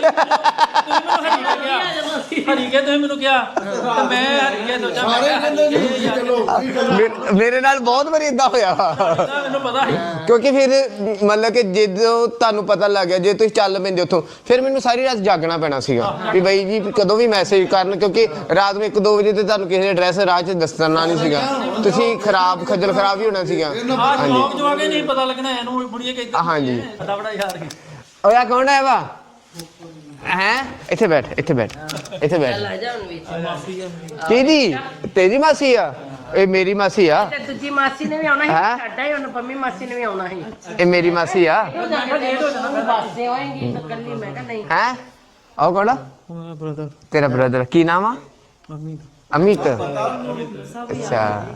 Speaker 2: ਹਰੀਕੇ ਤੁਸੀਂ ਮੈਨੂੰ ਕਿਹਾ ਤੇ ਮੈਂ ਹਰੀਕੇ ਸੋਚਾਂ ਮੈਂ ਕਿਹਾ ਹਰੀਕੇ ਯਾਰ
Speaker 3: ਮੇ- ਮੇਰੇ ਨਾਲ ਬਹੁਤ ਵਾਰੀ ਇਦਾਂ ਹੋਇਆ
Speaker 2: ਮੈਨੂੰ ਪਤਾ ਸੀ
Speaker 3: ਕਿਉਂਕਿ ਫਿਰ ਮਤਲਬ ਕਿ ਜਦੋਂ ਤੁਹਾਨੂੰ ਪਤਾ ਲੱਗ ਗਿਆ ਜੇ ਤੁਸੀਂ ਚੱਲ ਪੈਂਦੇ ਉੱਥੋਂ ਫਿਰ ਮੈਨੂੰ ਸਾਰੀ ਰਾਤ ਜਾਗਣਾ ਪੈਣਾ ਸੀਗਾ ਵੀ ਬਾਈ ਜੀ ਕਦੋਂ ਵੀ ਮੈਸੇਜ ਕਰਨ ਕਿਉਂਕਿ ਰਾਤ ਨੂੰ ਇੱਕ ਦੋ ਵਜੇ ਤੇ ਤੁਹਾਨੂੰ ਕਿਸੇ ਐਡਰੈਸ ਰਾਹ 'ਚ ਦੱਸਣਾ ਨਹੀਂ ਸੀਗਾ ਤੁਸੀਂ ਖਰਾਬ ਖੱਜਲ ਖਰਾਬ ਹੀ ਹੋਣਾ ਸੀਗਾ
Speaker 2: ਆਹ ਲੋਕ ਜੋ ਆਗੇ ਨਹੀਂ ਪਤਾ ਲੱਗਣਾ ਇਹਨੂੰ ਬੁੜੀਏ ਕਹਿੰਦੇ
Speaker 3: ਹਾਂਜੀ
Speaker 2: ਬੜਾ ਬੜਾ ਯਾਰ ਸੀ
Speaker 3: ਓਏ ਆ ਕੌਣ ਹੈ ਵਾ ਹੈ ਇੱਥੇ ਬੈਠ ਇੱਥੇ ਬੈਠ ਇੱਥੇ ਬੈਠ
Speaker 1: ਲੈ ਜਾ ਹੁਣ ਵਿੱਚ
Speaker 2: ਮਾਸੀ ਆ
Speaker 3: ਕਿਹਦੀ ਤੇਰੀ ਮਾਸੀ ਆ ਇਹ ਮੇਰੀ ਮਾਸੀ ਆ
Speaker 1: ਤੇ ਦੂਜੀ ਮਾਸੀ ਨੇ ਵੀ ਆਉਣਾ
Speaker 3: ਹੈਂ?
Speaker 1: ਸੀ ਸਾਡਾ ਹੀ ਹੁਣ ਪੰਮੀ ਮਾਸੀ ਨੇ ਵੀ ਆਉਣਾ ਸੀ
Speaker 3: ਇਹ ਮੇਰੀ ਮਾਸੀ ਆ
Speaker 1: ਬਾਸੇ ਹੋਏਗੀ ਤਾਂ ਕੱਲੀ ਮੈਂ ਕਿਹਾ ਨਹੀਂ
Speaker 3: ਹੈ ਆਹ ਕੌਣ ਆ
Speaker 2: ਬ੍ਰਦਰ
Speaker 3: ਤੇਰਾ ਬ੍ਰਦਰ ਕੀ ਨਾਮ ਆ
Speaker 2: ਮੰਮੀ
Speaker 3: ਅਮਿਤ ਅੱਛਾ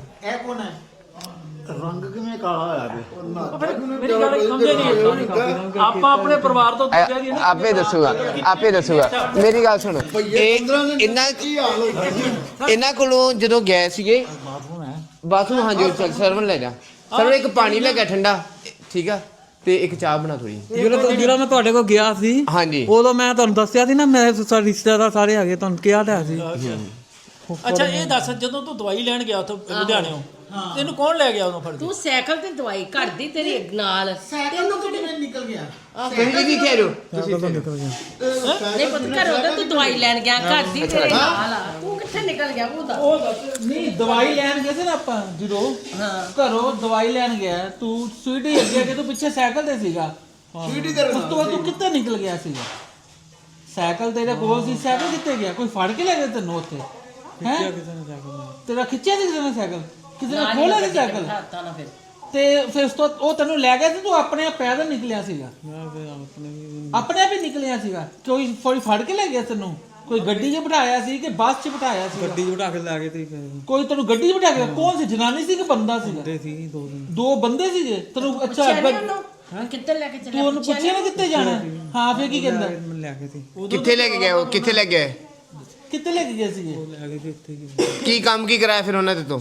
Speaker 2: ਮੇਰੀ ਗੱਲ ਸਮਝੇ ਨਹੀਂ ਆਪਾਂ ਆਪਣੇ ਪਰਿਵਾਰ ਤੋਂ ਦੂਜਿਆਂ ਦੀ
Speaker 3: ਐ- ਆਪੇ ਦੱਸੂਗਾ ਆਪੇ ਦੱਸੂਗਾ ਮੇਰੀ ਗੱਲ ਸੁਣ ਇਹ ਇਹਨਾਂ ਇਹਨਾਂ ਕੋਲੋਂ ਜਦੋਂ ਗਏ ਸੀਗੇ ਬਾਥਰੂਮ ਹਾਂਜੀ ਸਰਵਨ ਲੈ ਜਾ ਸਰਵਨ ਇੱਕ ਪਾਣੀ ਲੈ ਕੇ ਠੰਡਾ ਠੀਕ ਆ ਤੇ ਇੱਕ ਚਾਹ ਬਣਾ ਥੋੜੀ
Speaker 8: ਜਿਹੜਾ ਜਿਹੜਾ ਮੈਂ ਤੁਹਾਡੇ ਕੋਲ ਗਿਆ ਸੀ
Speaker 3: ਹਾਂਜੀ
Speaker 8: ਉਦੋਂ ਮੈਂ ਤੁਹਾਨੂੰ ਦੱਸਿਆ ਸੀ ਨਾ ਮੈਂ ਸਾਰੇ ਰਿਸ਼ਤੇਦਾਰ ਸਾਰੇ ਆ ਗਏ ਤੁਹਾਨੂੰ ਕਿਹਾ ਤਾਂ ਸੀ
Speaker 2: ਅੱਛਾ ਇਹ ਦੱਸ ਜਦੋਂ ਤੂੰ ਦਵਾਈ ਲੈਣ ਗਿਆ ਉੱਥੋਂ ਲੁਧਿਆਣਿਓਂ ਤੈਨੂੰ ਕੌਣ ਲੈ ਗਿਆ ਉਹਨੂੰ ਫੜ ਕੇ
Speaker 1: ਤੂੰ ਸਾਈਕਲ ਤੇ ਦਵਾਈ ਘਰ ਦੀ ਤੇਰੇ ਨਾਲ ਤੈਨੂੰ ਕਿਹੜੇ
Speaker 4: ਨਿਕਲ ਗਿਆ
Speaker 3: ਤੁਸੀਂ ਕੀ ਕਹਿ ਰਹੇ ਹੋ
Speaker 1: ਨਹੀਂ ਪੁੱਤ ਘਰ ਉਹਦਾ ਤੂੰ ਦਵਾਈ ਲੈਣ ਗਿਆ ਘਰ ਦੀ ਤੇਰੇ ਨਾਲ ਆ ਤੂੰ ਕਿੱਥੇ ਨਿਕਲ ਗਿਆ ਉਹਦਾ
Speaker 2: ਉਹ ਦੱਸ
Speaker 8: ਨਹੀਂ ਦਵਾਈ ਲੈਣ ਗਏ ਸੀ ਨਾ ਆਪਾਂ ਜਦੋਂ ਘਰੋਂ ਦਵਾਈ ਲੈਣ ਗਿਆ ਤੂੰ ਸਵੀਟੀ ਅੱਗੇ ਅੱਗੇ ਤੂੰ ਪਿੱਛੇ ਸਾਈਕਲ ਤੇ ਸੀਗਾ
Speaker 4: ਸਵੀਟੀ ਤੇਰੇ
Speaker 8: ਉਸ ਤੋਂ ਬਾਅਦ ਤੂੰ ਕਿੱਥੇ ਨਿਕਲ ਗਿਆ ਸੀਗਾ ਸਾਈਕਲ ਤੇਰੇ ਕੋਲ ਸੀ ਸਾਈਕਲ ਕਿੱਥੇ ਗਿਆ ਕੋਈ ਫੜ ਕੇ ਲੈ ਗਿਆ ਤੈਨੂੰ ਉੱਥੇ ਹੈ ਤੇਰਾ ਖਿੱਚਿਆ ਸੀ ਕਿਸੇ ਨੇ ਸਾਈਕਲ ਕਿਸੇ ਨੇ ਖੋਲਿਆ ਸੀ ਸਾਈਕਲ
Speaker 1: ਤਾਂ ਨਾ ਫਿਰ
Speaker 8: ਤੇ ਫਿਰ ਉਸ ਤੋਂ ਉਹ ਤੈਨੂੰ ਲੈ ਗਿਆ ਸੀ ਤੂੰ ਆਪਣੇ ਆਪ ਪੈਦਲ ਨਿਕਲਿਆ ਸੀਗਾ ਆਪਣੇ ਆਪ ਹੀ ਨਿਕਲਿਆ ਸੀਗਾ ਕੋਈ ਕੋਈ ਫੜ ਕੇ ਲੈ ਗਿਆ ਤੈਨੂੰ ਕੋਈ ਗੱਡੀ 'ਚ ਬਿਠਾਇਆ ਸੀ ਕਿ ਬੱਸ 'ਚ ਬਿਠਾਇਆ ਸੀ
Speaker 9: ਗੱਡੀ 'ਚ ਬਿਠਾ ਕੇ ਲੈ ਗਏ ਤੇ
Speaker 8: ਕੋਈ ਤੈਨੂੰ ਗੱਡੀ 'ਚ ਬਿਠਾ ਕੇ ਕੌਣ ਸੀ ਜਨਾਨੀ ਸੀ ਕਿ ਬੰਦਾ ਸੀਗਾ
Speaker 9: ਬੰਦੇ ਸੀ ਦੋ ਦਿਨ
Speaker 8: ਦੋ ਬੰਦੇ ਸੀਗੇ ਤੈਨੂੰ ਅੱਛਾ
Speaker 1: ਹਾਂ ਕਿੱਥੇ ਲੈ ਕੇ
Speaker 8: ਤੂੰ
Speaker 1: ਚੱਲਿਆ
Speaker 8: ਉਹਨੂੰ ਪੁੱਛਿਆ ਨਾ ਕਿੱਥੇ ਜਾਣਾ ਹਾਂ ਫਿਰ ਕੀ ਕਹਿੰਦਾ
Speaker 9: ਮੈਂ ਲੈ ਗਏ ਸੀ
Speaker 3: ਕਿੱਥੇ ਲੈ ਕੇ ਗਏ ਉਹ ਕਿੱਥੇ ਲੈ ਗਏ
Speaker 8: ਕਿੱਥੇ ਲੈ ਕੇ ਗਏ ਸੀਗੇ
Speaker 9: ਲੈ ਗਏ ਸੀ ਇੱਥੇ ਹੀ।
Speaker 3: ਕੀ ਕੰਮ ਕੀ ਕਰਾਇਆ ਫਿਰ ਉਹਨਾਂ ਦੇ ਤੋਂ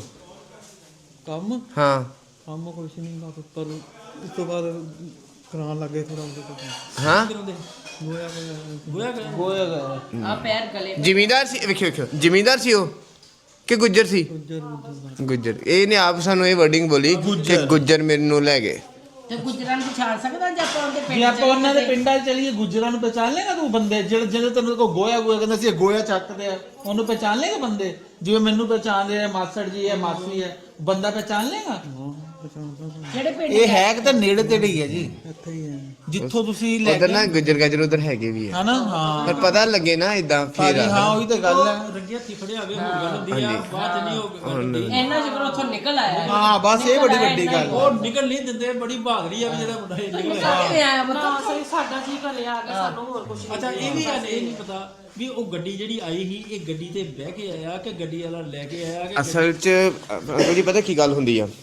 Speaker 9: ਕੰਮ
Speaker 3: ਹਾਂ
Speaker 9: ਕੰਮ ਕੁਛ ਨਹੀਂ ਬਸ ਪਰ ਉਸ ਤੋਂ ਬਾਅਦ ਕਰਾਉਣ ਲੱਗੇ ਥੋੜਾ ਉਹਦੇ ਤੋਂ
Speaker 3: ਹਾਂ
Speaker 9: ਗੋਇਆ
Speaker 2: ਗੋਇਆ ਕਰ
Speaker 8: ਗੋਇਆ ਗਿਆ
Speaker 1: ਆ ਪੈਰ ਗਲੇ
Speaker 3: ਜ਼ਿਮੀਂਦਾਰ ਸੀ ਵੇਖਿਓ ਵੇਖਿਓ ਜ਼ਿਮੀਂਦਾਰ ਸੀ ਉਹ ਕਿ ਗੁੱਜਰ ਸੀ ਗੁੱਜਰ ਇਹਨੇ ਆਪ ਸਾਨੂੰ ਇਹ ਵਰਡਿੰਗ ਬੋਲੀ ਕਿ ਗੁੱਜਰ ਮੈਨੂੰ ਲੈ ਗਏ
Speaker 1: ਤੇ ਗੁਜਰਾਂ ਨੂੰ ਪਛਾਣ ਸਕਦਾ ਜੇ ਆਪਾਂ ਉਹਦੇ ਪਿੰਡ
Speaker 8: ਜੇ ਆਪਾਂ ਉਹਨਾਂ ਦੇ ਪਿੰਡਾਂ 'ਚ ਚਲੀਏ ਗੁੱਜਰਾਂ ਨੂੰ ਪਹਿਚਾਨ ਲੇਗਾ ਤੂੰ ਬੰਦੇ ਜਿਹੜੇ ਜਿਹੜੇ ਤੈਨੂੰ ਕੋ ਗੋਇਆ ਗੋਇਆ ਕਹਿੰਦਾ ਸੀ ਇਹ ਗੋਇਆ ਚੱਕਦੇ ਆ ਉਹਨੂੰ ਪਹਿਚਾਨ ਲੇਗਾ ਬੰਦੇ ਜਿਵੇਂ ਮੈਨੂੰ ਪਹਿਚਾਨਦੇ ਆ ਮਾਸੜ ਜੀ ਹੈ ਮਾਸੀ ਹੈ ਬੰਦਾ ਪਹਿਚਾਨ ਲੇਗਾ
Speaker 1: ਜਿਹੜੇ ਪਿੰਡ
Speaker 8: ਇਹ ਹੈ ਕਿ ਤਾਂ ਨੇੜੇ ਤੇੜੇ ਹੀ ਹੈ ਜੀ
Speaker 9: ਇੱਥੇ ਹੀ ਹੈ
Speaker 8: ਜਿੱਥੋਂ ਤੁਸੀਂ ਲੈ
Speaker 3: ਉਧਰ ਨਾ ਗੁੱਜਰ ਗਾਜਰ ਉਧਰ ਹੈਗੇ ਵੀ ਆ
Speaker 8: ਹਨਾ ਹਾਂ
Speaker 3: ਪਰ ਪਤਾ ਲੱਗੇ ਨਾ ਇਦਾਂ ਫਿਰ
Speaker 8: ਹਾਂ ਉਹੀ ਤਾਂ ਗੱਲ ਹੈ
Speaker 2: ਰੰਗੇ ਹੱਥੀ ਫੜਿਆ ਹੋਵੇ ਹੋਰ ਗੱਲ ਹੁੰਦੀ ਆ ਬਾਅਦ ਚ ਨਹੀਂ ਉਹ
Speaker 1: ਇਹਨਾਂ ਜਿਗਰ ਉੱਥੋਂ ਨਿਕਲ ਆਇਆ
Speaker 8: ਹਾਂ ਬਸ ਇਹ ਬੜੀ ਵੱਡੀ ਗੱਲ
Speaker 2: ਉਹ ਨਿਕਲ ਨਹੀਂ ਦਿੰਦੇ ਬੜੀ ਬਹਾਦਰੀ ਆ ਵੀ ਜਿਹੜਾ ਮੁੰਡਾ ਇਹ ਨਿਕਲ ਆਇਆ
Speaker 1: ਕਿਵੇਂ ਆਇਆ ਬਤਾ
Speaker 7: ਸਹੀ ਸਾਡਾ ਜੀ ਘਰੇ ਆ ਗਿਆ ਸਾਨੂੰ ਹੋਰ ਕੁਝ
Speaker 2: ਅੱਛਾ ਇਹ ਵੀ ਗੱਲ ਇਹ ਨਹੀਂ ਪਤਾ ਵੀ ਉਹ ਗੱਡੀ ਜਿਹੜੀ ਆਈ ਸੀ ਇਹ ਗੱਡੀ ਤੇ ਬਹਿ ਕੇ ਆਇਆ ਕਿ ਗੱਡੀ ਵਾਲਾ ਲੈ ਕੇ ਆਇਆ ਕਿ
Speaker 3: ਅਸਲ 'ਚ ਅੰਕਲ ਜੀ ਪਤਾ ਕੀ ਗੱਲ ਹੁੰਦੀ ਆ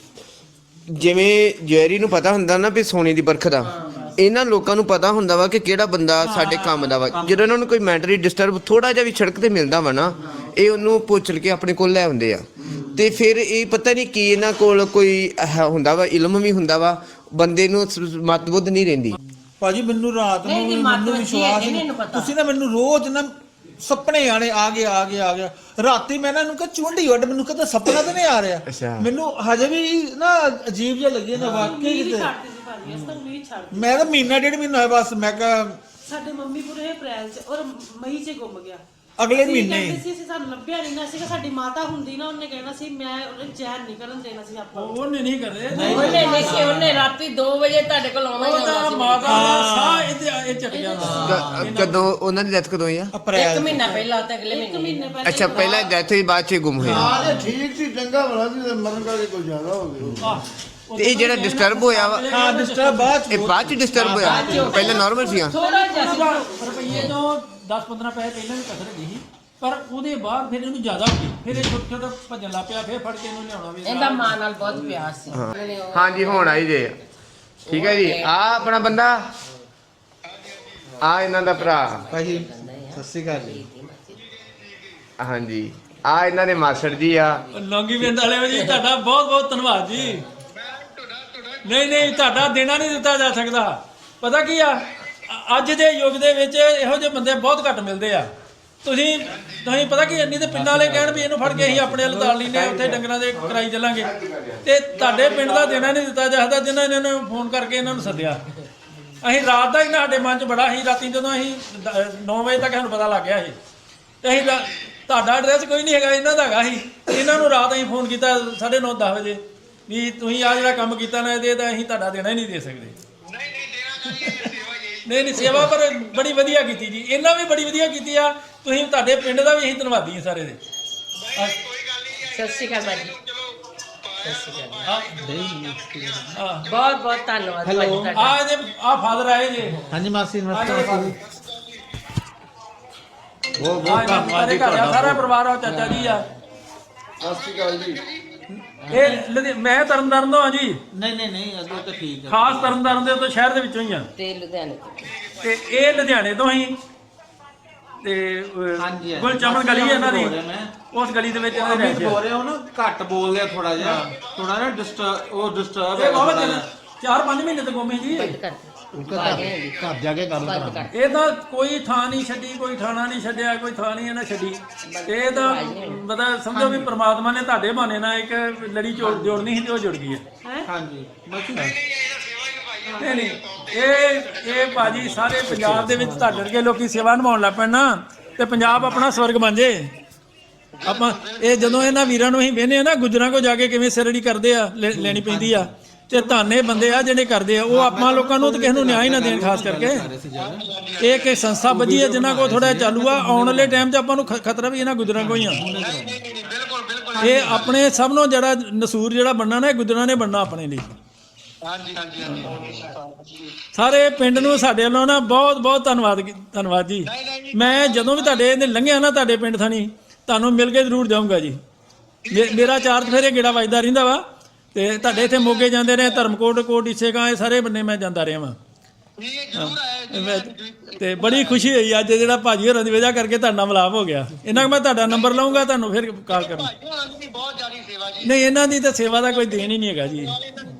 Speaker 3: ਜਿਵੇਂ ਜੈਰੀ ਨੂੰ ਪਤਾ ਹੁੰਦਾ ਨਾ ਵੀ ਸੋਨੇ ਦੀ ਬਰਖ ਦਾ ਇਹਨਾਂ ਲੋਕਾਂ ਨੂੰ ਪਤਾ ਹੁੰਦਾ ਵਾ ਕਿ ਕਿਹੜਾ ਬੰਦਾ ਸਾਡੇ ਕੰਮ ਦਾ ਵਾ ਜਦੋਂ ਇਹਨਾਂ ਨੂੰ ਕੋਈ ਮੈਂਟਲੀ ਡਿਸਟਰਬ ਥੋੜਾ ਜਿਹਾ ਵੀ ਸੜਕ ਤੇ ਮਿਲਦਾ ਵਾ ਨਾ ਇਹ ਉਹਨੂੰ ਪੁੱਛਲ ਕੇ ਆਪਣੇ ਕੋਲ ਲੈ ਆਉਂਦੇ ਆ ਤੇ ਫਿਰ ਇਹ ਪਤਾ ਨਹੀਂ ਕੀ ਇਹਨਾਂ ਕੋਲ ਕੋਈ ਇਹ ਹੁੰਦਾ ਵਾ ਇਲਮ ਵੀ ਹੁੰਦਾ ਵਾ ਬੰਦੇ ਨੂੰ ਮਤਬੁੱਧ ਨਹੀਂ ਰਹਿੰਦੀ
Speaker 8: ਭਾਜੀ ਮੈਨੂੰ ਰਾਤ ਨੂੰ
Speaker 1: ਨਹੀਂ, ਨਹੀਂ,
Speaker 8: ਵੀ
Speaker 1: ਮੱਤ
Speaker 8: ਮੈਨੂੰ
Speaker 1: ਵੱਜੀ ਹੈ,
Speaker 8: ਵਿਸ਼ਵਾਸ
Speaker 1: ਇਹਨੇ
Speaker 8: ਨਹੀਂ
Speaker 1: ਨੂੰ ਪਤਾ।
Speaker 8: ਤੁਸੀਂ ਨਾ ਮੈਨੂੰ ਰੋਜ਼ ਨਾ ਸੁਪਨੇ ਆਣੇ ਆ ਗਏ ਆ ਗਏ ਆ ਗਿਆ ਰਾਤੀ ਮੈਂ ਨਾ ਇਹਨੂੰ ਕਿਹਾ ਚੁੰਡੀ ਉੱਡ ਮੈਨੂੰ ਕਹਿੰਦਾ ਸੁਪਨਾ ਤਾਂ ਨਹੀਂ ਆ ਰਿਹਾ
Speaker 3: ਅੱਛਾ।
Speaker 8: ਮੈਨੂੰ ਹਜੇ ਵੀ ਨਾ ਅਜੀਬ ਜਿਹਾ ਲੱਗਿਆ ਨਾ ਵਾਕਈ ਕਿਤੇ
Speaker 7: ਛੱਡਦੇ ਸੀ ਭਾਜੀ ਅਸਾਂ ਉਮੀਦ ਛੱਡ
Speaker 8: ਮੈਂ ਤਾਂ ਮਹੀਨਾ ਡੇਢ ਮਹੀਨਾ ਹੋਇਆ ਬਸ ਮੈਂ ਕਿਹਾ
Speaker 7: ਸਾਡੇ ਮੰਮੀ ਪੂਰੇ ਅਪ੍ਰੈਲ ਚ ਔਰ ਮਈ ਚ ਗੁੰਮ ਗਿਆ
Speaker 8: ਅਗਲੇ
Speaker 7: ਅਸੀਂ
Speaker 8: ਮਹੀਨੇ
Speaker 7: ਕਹਿੰਦੇ ਸੀ ਅਸੀਂ ਸਾਨੂੰ ਲੱਭਿਆ ਨਹੀਂ ਨਾ ਸੀਗਾ ਸਾਡੀ ਮਾਤਾ ਹੁੰਦੀ ਨਾ ਉਹਨੇ ਕਹਿਣਾ ਸੀ ਮੈਂ ਉਹਨੇ ਚੈਨ ਨਹੀਂ ਕਰਨ ਦੇਣਾ ਸੀ ਆਪਾਂ ਨੂੰ।
Speaker 2: ਉਹਨੇ ਨਹੀਂ ਕਰਦੇ
Speaker 1: ਉਹਨੇ ਨਹੀਂ ਸੀ ਉਹਨੇ ਰਾਤੀ ਦੋ ਵਜੇ ਤੁਹਾਡੇ ਕੋਲ ਆਉਣਾ ਹੀ
Speaker 2: ਉਹਦਾ
Speaker 1: ਆਉਣਾ ਸੀ
Speaker 2: ਮਾਤਾ ਦਾ ਸਾਹ ਇਹਦੇ ਇਹ ਚੱਕ ਜਾਂਦਾ
Speaker 3: ਕ- ਕਦੋਂ ਉਹਨਾਂ ਦੀ ਡੈਥ ਕਦੋਂ ਹੋਈ ਆ
Speaker 1: ਇੱਕ
Speaker 8: ਅਪ੍ਰੈਲ
Speaker 1: ਮਹੀਨਾ ਪਹਿਲਾਂ ਤੇ ਅਗਲੇ
Speaker 7: ਇੱਕ
Speaker 1: ਮਹੀਨੇ
Speaker 7: ਮਹੀਨੇ ਪਹਿਲਾਂ
Speaker 3: ਅੱਛਾ ਪਹਿਲਾਂ ਡੈਥ ਹੋਈ ਬਾਅਦ 'ਚ ਗੁੰਮ ਹੋਇਆ
Speaker 4: ਹਾਂ ਠੀਕ ਸੀ ਚੰਗਾ ਭਲਾ ਸੀ ਤੇ ਮਰਨ ਕਰਕੇ ਕੋਈ ਜ਼ਿਆਦਾ ਹੋ ਗਿਆ
Speaker 3: ਤੇ ਇਹ ਜਿਹੜਾ ਡਿਸਟਰਬ ਹੋਇਆ ਵਾ
Speaker 8: ਹਾਂ ਡਿਸਟਰਬ ਬਾਅਦ
Speaker 3: ਇਹ ਬਾਅਦ 'ਚ ਡਿਸਟਰਬ ਹੋਇਆ ਪਹਿਲਾਂ ਨਾਰਮਲ ਸੀਗਾ
Speaker 1: ਥੋੜਾ ਜਿਹਾ ਸੀ
Speaker 2: ਰੁਪਈਏ ਤੋਂ ਦਸ ਪੰਦਰਾਂ ਪੈਸੇ ਪਹਿਲਾਂ ਵੀ ਕਸਰ ਗਈ ਸੀ ਪਰ ਉਹਦੇ ਬਾਅਦ ਫਿਰ ਇਹਨੂੰ ਜ਼ਿਆਦਾ ਹੋ ਗਈ ਫਿਰ ਇਹ ਛੋਟੇ ਛੋਟੇ ਭੱਜਣ ਲੱਗ ਪਿਆ ਫਿਰ ਫੜ ਕੇ ਇਹਨੂੰ ਲਿਆਉਣਾ ਵੀ
Speaker 1: ਇਹਦਾ ਮਾਂ ਨਾਲ ਬਹੁਤ ਪਿਆਰ ਸੀ ਉਹਨੇ ਉਹ-
Speaker 3: ਹਾਂਜੀ ਹੁਣ ਆਈ ਜੇ ਠੀਕ ਹੈ ਜੀ ਆ ਆਪਣਾ ਬੰਦਾ ਆ ਇਹਨਾਂ ਦਾ ਭਰਾ
Speaker 8: ਭਾਜੀ ਸਤਿ ਸ਼੍ਰੀ ਅਕਾਲ ਜੀ
Speaker 3: ਹਾਂਜੀ ਆ ਇਹਨਾਂ ਦੇ ਮਾਸੜ ਜੀ ਆ।
Speaker 2: ਲੌਂਗੀ ਪਿੰਡ ਵਾਲਿਓ ਜੀ ਤੁਹਾਡਾ ਬਹੁਤ ਬਹੁਤ ਧੰਨਵਾਦ ਜੀ। ਨਹੀਂ ਨਹੀਂ ਤੁਹਾਡਾ ਦੇਣਾ ਨਹੀਂ ਦਿੱਤਾ ਜਾ ਸਕਦਾ। ਪਤਾ ਕੀ ਆ ਅ- ਅੱਜ ਦੇ ਯੁੱਗ ਦੇ ਵਿੱਚ ਇਹੋ ਜਿਹੇ ਬੰਦੇ ਬਹੁਤ ਘੱਟ ਮਿਲਦੇ ਆ। ਤੁਸੀਂ ਤੁਸੀਂ ਪਤਾ ਕੀ ਇੰਨੀ ਤੇ ਪਿੰਡਾਂ ਵਾਲੇ ਕਹਿਣ ਵੀ ਇਹਨੂੰ ਫੜ ਕੇ ਅਸੀਂ ਆਪਣੇ ਵੱਲ ਤਾਲ ਲੈਂਦੇ ਉੱਥੇ ਡੰਗਰਾਂ ਦੇ ਕਰਾਈ ਚੱਲਾਂਗੇ ਤੇ ਤੁਹਾਡੇ ਪਿੰਡ ਦਾ ਦੇਣਾ ਨਹੀਂ ਦਿੱਤਾ ਜਾ ਸਕਦਾ ਜਿਨ੍ਹਾਂ ਨੇ ਇਹਨਾਂ ਨੂੰ ਫੋਨ ਕਰਕੇ ਇਹਨਾਂ ਨੂੰ ਸੱਦਿਆ। ਅਸੀਂ ਰਾਤ ਦਾ ਹੀ ਸਾਡੇ ਮਨ 'ਚ ਬੜਾ ਸੀ। ਰਾਤੀ ਜਦੋਂ ਅਸੀਂ ਨੌ ਵਜੇ ਤੱਕ ਸਾਨੂੰ ਪਤਾ ਲੱਗ ਗਿਆ ਸੀ ਤੇ ਅਸੀਂ ਰਾ- ਤੁਹਾਡਾ ਐਡਰੈਸ ਕੋਈ ਨਹੀਂ ਹੈਗਾ, ਇਹਨਾਂ ਦਾ ਹੈਗਾ ਸੀ। ਇਹਨਾਂ ਨੂੰ ਰਾਤ ਅਸੀਂ ਫੋਨ ਕੀਤਾ ਸਾਢੇ ਨੌ ਦਸ ਵਜੇ ਵੀ ਤੁਸੀਂ ਆ ਜਿਹੜਾ ਕੰਮ ਕੀਤਾ ਨਾ ਇਹਦੇ ਤਾਂ ਅਸੀਂ ਤੁਹਾਡਾ ਦੇਣਾ ਹੀ ਨਹੀਂ ਦੇ ਸਕਦੇ। ਨਹੀਂ ਨਹੀਂ ਸੇਵਾ ਪਰ ਬੜੀ ਵਧੀਆ ਕੀਤੀ ਜੀ। ਇਹਨਾਂ ਵੀ ਬੜੀ ਵਧੀਆ ਕੀਤੀ ਆ। ਤੁਸੀਂ ਤੁਹਾਡੇ ਪਿੰਡ ਦਾ ਵੀ ਅਸੀਂ ਧੰਨਵਾਦੀ ਹਾਂ ਸਾਰੇ ਦੇ।
Speaker 1: ਸਤਿ ਸ਼੍ਰੀ ਅਕਾਲ ਭਾਜੀ।
Speaker 2: ਹਾਂ
Speaker 1: ਬਹੁਤ ਬਹੁਤ ਧੰਨਵਾਦ ਭਾਜੀ ਤੁਹਾਡਾ।
Speaker 2: ਆ ਜੇ ਆ ਫਾਦਰ ਆਏ ਜੇ
Speaker 8: ਹਾਂਜੀ ਮਾਸੀ
Speaker 2: ਆ
Speaker 8: ਨਮਸਤੇ
Speaker 2: ਜਿਹੜੇ
Speaker 8: ਮਾਸੀ
Speaker 2: ਬਹੁਤ ਬਹੁਤ ਧੰਨਵਾਦ ਜੀ ਤੁਹਾਡਾ। ਸਾਰਾ ਪਰਿਵਾਰ ਆ ਚਾਚਾ ਜੀ ਆ।
Speaker 3: ਸਤਿ ਸ਼੍ਰੀ ਅਕਾਲ ਜੀ।
Speaker 2: ਇਹ ਲੁਧਿ- ਮੈਂ ਤਰਨਤਾਰਨ ਤੋਂ ਆ ਜੀ।
Speaker 8: ਨਹੀਂ ਨਹੀਂ ਨਹੀਂ ਅੱਗੇ ਤਾਂ ਠੀਕ ਹੈ।
Speaker 2: ਖਾਸ ਤਰਨਤਾਰਨ ਦੇ ਤੋਂ ਸ਼ਹਿਰ ਦੇ ਵਿੱਚੋਂ ਹੀ ਆ
Speaker 1: ਤੇ ਲੁਧਿਆਣੇ
Speaker 2: ਤੇ ਇਹ ਲੁਧਿਆਣੇ ਤੋਂ ਹੀ ਤੇ
Speaker 8: ਹਾਂਜੀ, ਹਾਂਜੀ।
Speaker 2: ਗੁਲਚਮਨ ਗਲੀ ਹੈ ਇਹਨਾਂ ਦੀ।
Speaker 8: ਬੋਲ ਰਿਹਾ ਮੈਂ।
Speaker 2: ਉਸ ਗਲੀ ਦੇ ਵਿੱਚ ਇਹਨਾਂ ਦੇ
Speaker 8: ਅਮਿਤ
Speaker 2: ਰਹਿਸ਼
Speaker 8: ਬੋਲ ਰਿਹਾ ਉਹ ਨਾ ਘੱਟ ਬੋਲਦੇ ਆ ਥੋੜਾ ਜਿਹਾ ਥੋੜਾ ਨਾ ਡਿਸਟਰਬ ਉਹ ਡਿਸਟਰਬ
Speaker 2: ਇਹ
Speaker 8: ਹੈ
Speaker 2: ਬਹੁਤ
Speaker 8: ਥੋੜ੍ਹਾ
Speaker 2: ਚਿਰ- ਚਾਰ ਪੰਜ ਮਹੀਨੇ ਤੋਂ ਗੋਮੀ ਜੀ।
Speaker 1: ਬੰਦ ਕਰ
Speaker 8: ਘਰ ਜਾ ਕੇ ਗੱਲ
Speaker 1: ਬੰਦ ਕਰ
Speaker 2: ਇਹ ਤਾਂ ਕੋਈ ਥਾਂ ਨਹੀਂ ਛੱਡੀ, ਕੋਈ ਥਾਣਾ ਨਹੀਂ ਛੱਡਿਆ, ਕੋਈ ਥਾਂ ਨਹੀਂ ਇਹਨਾਂ ਛੱਡੀ। ਇਹ ਤਾਂ ਮਤਲਬ ਸਮਝੋ ਵੀ ਪ੍ਰਮਾਤਮਾ ਨੇ ਤੁਹਾਡੇ ਬਹਾਨੇ ਨਾਲ ਇੱਕ ਲੜੀ ਜੋੜ ਜੋੜਨੀ ਸੀ ਤੇ ਉਹ ਜੁੜ ਗਈ ਹੈ।
Speaker 8: ਹਾਂਜੀ ਬਾਕੀ
Speaker 2: ਨਹੀਂ ਨਹੀਂ ਇਹ ਇਹ ਭਾਜੀ ਸਾਰੇ ਪੰਜਾਬ ਦੇ ਵਿੱਚ ਤੁਹਾਡੇ ਵਰਗੇ ਲੋਕੀ ਸੇਵਾ ਨਿਭਾਉਣ ਲੱਗ ਪੈਣ ਨਾ ਤੇ ਪੰਜਾਬ ਆਪਣਾ ਸਵਰਗ ਬਣ ਜੇ। ਆਪਾਂ ਇਹ ਜਦੋਂ ਇਹਨਾਂ ਵੀਰਾਂ ਨੂੰ ਅਸੀਂ ਵੇਖਦੇ ਆ ਨਾ ਗੁੱਜਰਾਂ ਕੋ ਜਾ ਕੇ ਕਿਵੇਂ ਸਿਰੜੀ ਕਰਦੇ ਆ ਲੈ- ਲੈਣੀ ਪੈਂਦੀ ਆ ਤੇ ਧਾਨੇ ਬੰਦੇ ਆ ਜਿਹੜੇ ਕਰਦੇ ਆ ਉਹ ਆਪਾਂ ਲੋਕਾਂ ਨੂੰ ਤੇ ਕਿਸੇ ਨੂੰ ਨਿਆਂ ਹੀ ਨਾ ਦੇਣ। ਖਾਸ ਕਰਕੇ ਇਹ ਕਿ ਸੰਸਥਾ ਵੱਜੀ ਹੈ ਜਿਨ੍ਹਾਂ ਕੋ ਥੋੜਾ ਚਾਲੂ ਆ। ਆਉਣ ਵਾਲੇ ਟਾਈਮ 'ਚ ਆਪਾਂ ਨੂੰ ਖ- ਖਤਰਾ ਵੀ ਇਹਨਾਂ ਗੁੱਜਰਾਂ ਕੋ ਹੀ ਆ। ਇਹ ਆਪਣੇ ਸਭ ਨੂੰ ਜਿਹੜਾ ਨਸੂਰ ਜਿਹੜਾ ਬਣਨਾ ਨਾ ਇਹ ਗੁੱਜਰਾਂ ਨੇ ਬਣਨਾ ਆਪਣੇ ਲਈ। ਸਾਰੇ ਪਿੰਡ ਨੂੰ ਸਾਡੇ ਵੱਲੋਂ ਨਾ ਬਹੁਤ ਬਹੁਤ ਧੰਨਵਾਦ ਧੰਨਵਾਦ ਜੀ। ਮੈਂ ਜਦੋਂ ਵੀ ਤੁਹਾਡੇ ਇਹਨੇ ਲੰਘਿਆ ਨਾ ਤੁਹਾਡੇ ਪਿੰਡ ਥਾਣੀ ਤੁਹਾਨੂੰ ਮਿਲ ਕੇ ਜ਼ਰੂਰ ਜਾਊਂਗਾ ਜੀ। ਮੇ- ਮੇਰਾ ਚਾਰਜ ਫੇਰੇ ਗੇੜਾ ਵੱਜਦਾ ਰਹਿੰਦਾ ਵਾ ਤੇ ਤੁਹਾਡੇ ਇੱਥੇ ਮੋਗੇ ਜਾਂਦੇ ਰਹੇ ਧਰਮਕੋਟ ਕੋਟ ਇਸੇਗਾ ਇਹ ਸਾਰੇ ਬੰਨੇ ਮੈਂ ਜਾਂਦਾ ਰਿਹਾ ਵਾਂ। ਮੈਂ- ਤੇ ਬੜੀ ਖੁਸ਼ੀ ਹੋਈ ਅੱਜ ਜਿਹੜਾ ਭਾਜੀ ਹੋਰਾਂ ਦੀ ਵਜ੍ਹਾ ਕਰਕੇ ਤੁਹਾਡਾ ਨਾਲ ਮਿਲਾਪ ਹੋ ਗਿਆ। ਇਹਨਾਂ ਮੈਂ ਤੁਹਾਡਾ ਨੰਬਰ ਲਵਾਂਗਾ ਤੁਹਾਨੂੰ ਫਿਰ ਕਾਲ ਕਰਾਂ। ਨਹੀਂ ਇਹਨਾਂ ਦੀ ਤਾਂ ਸੇਵਾ ਦਾ ਕੋਈ ਦੇਣ ਹੀ ਨਹੀਂ ਹੈਗਾ ਜੀ।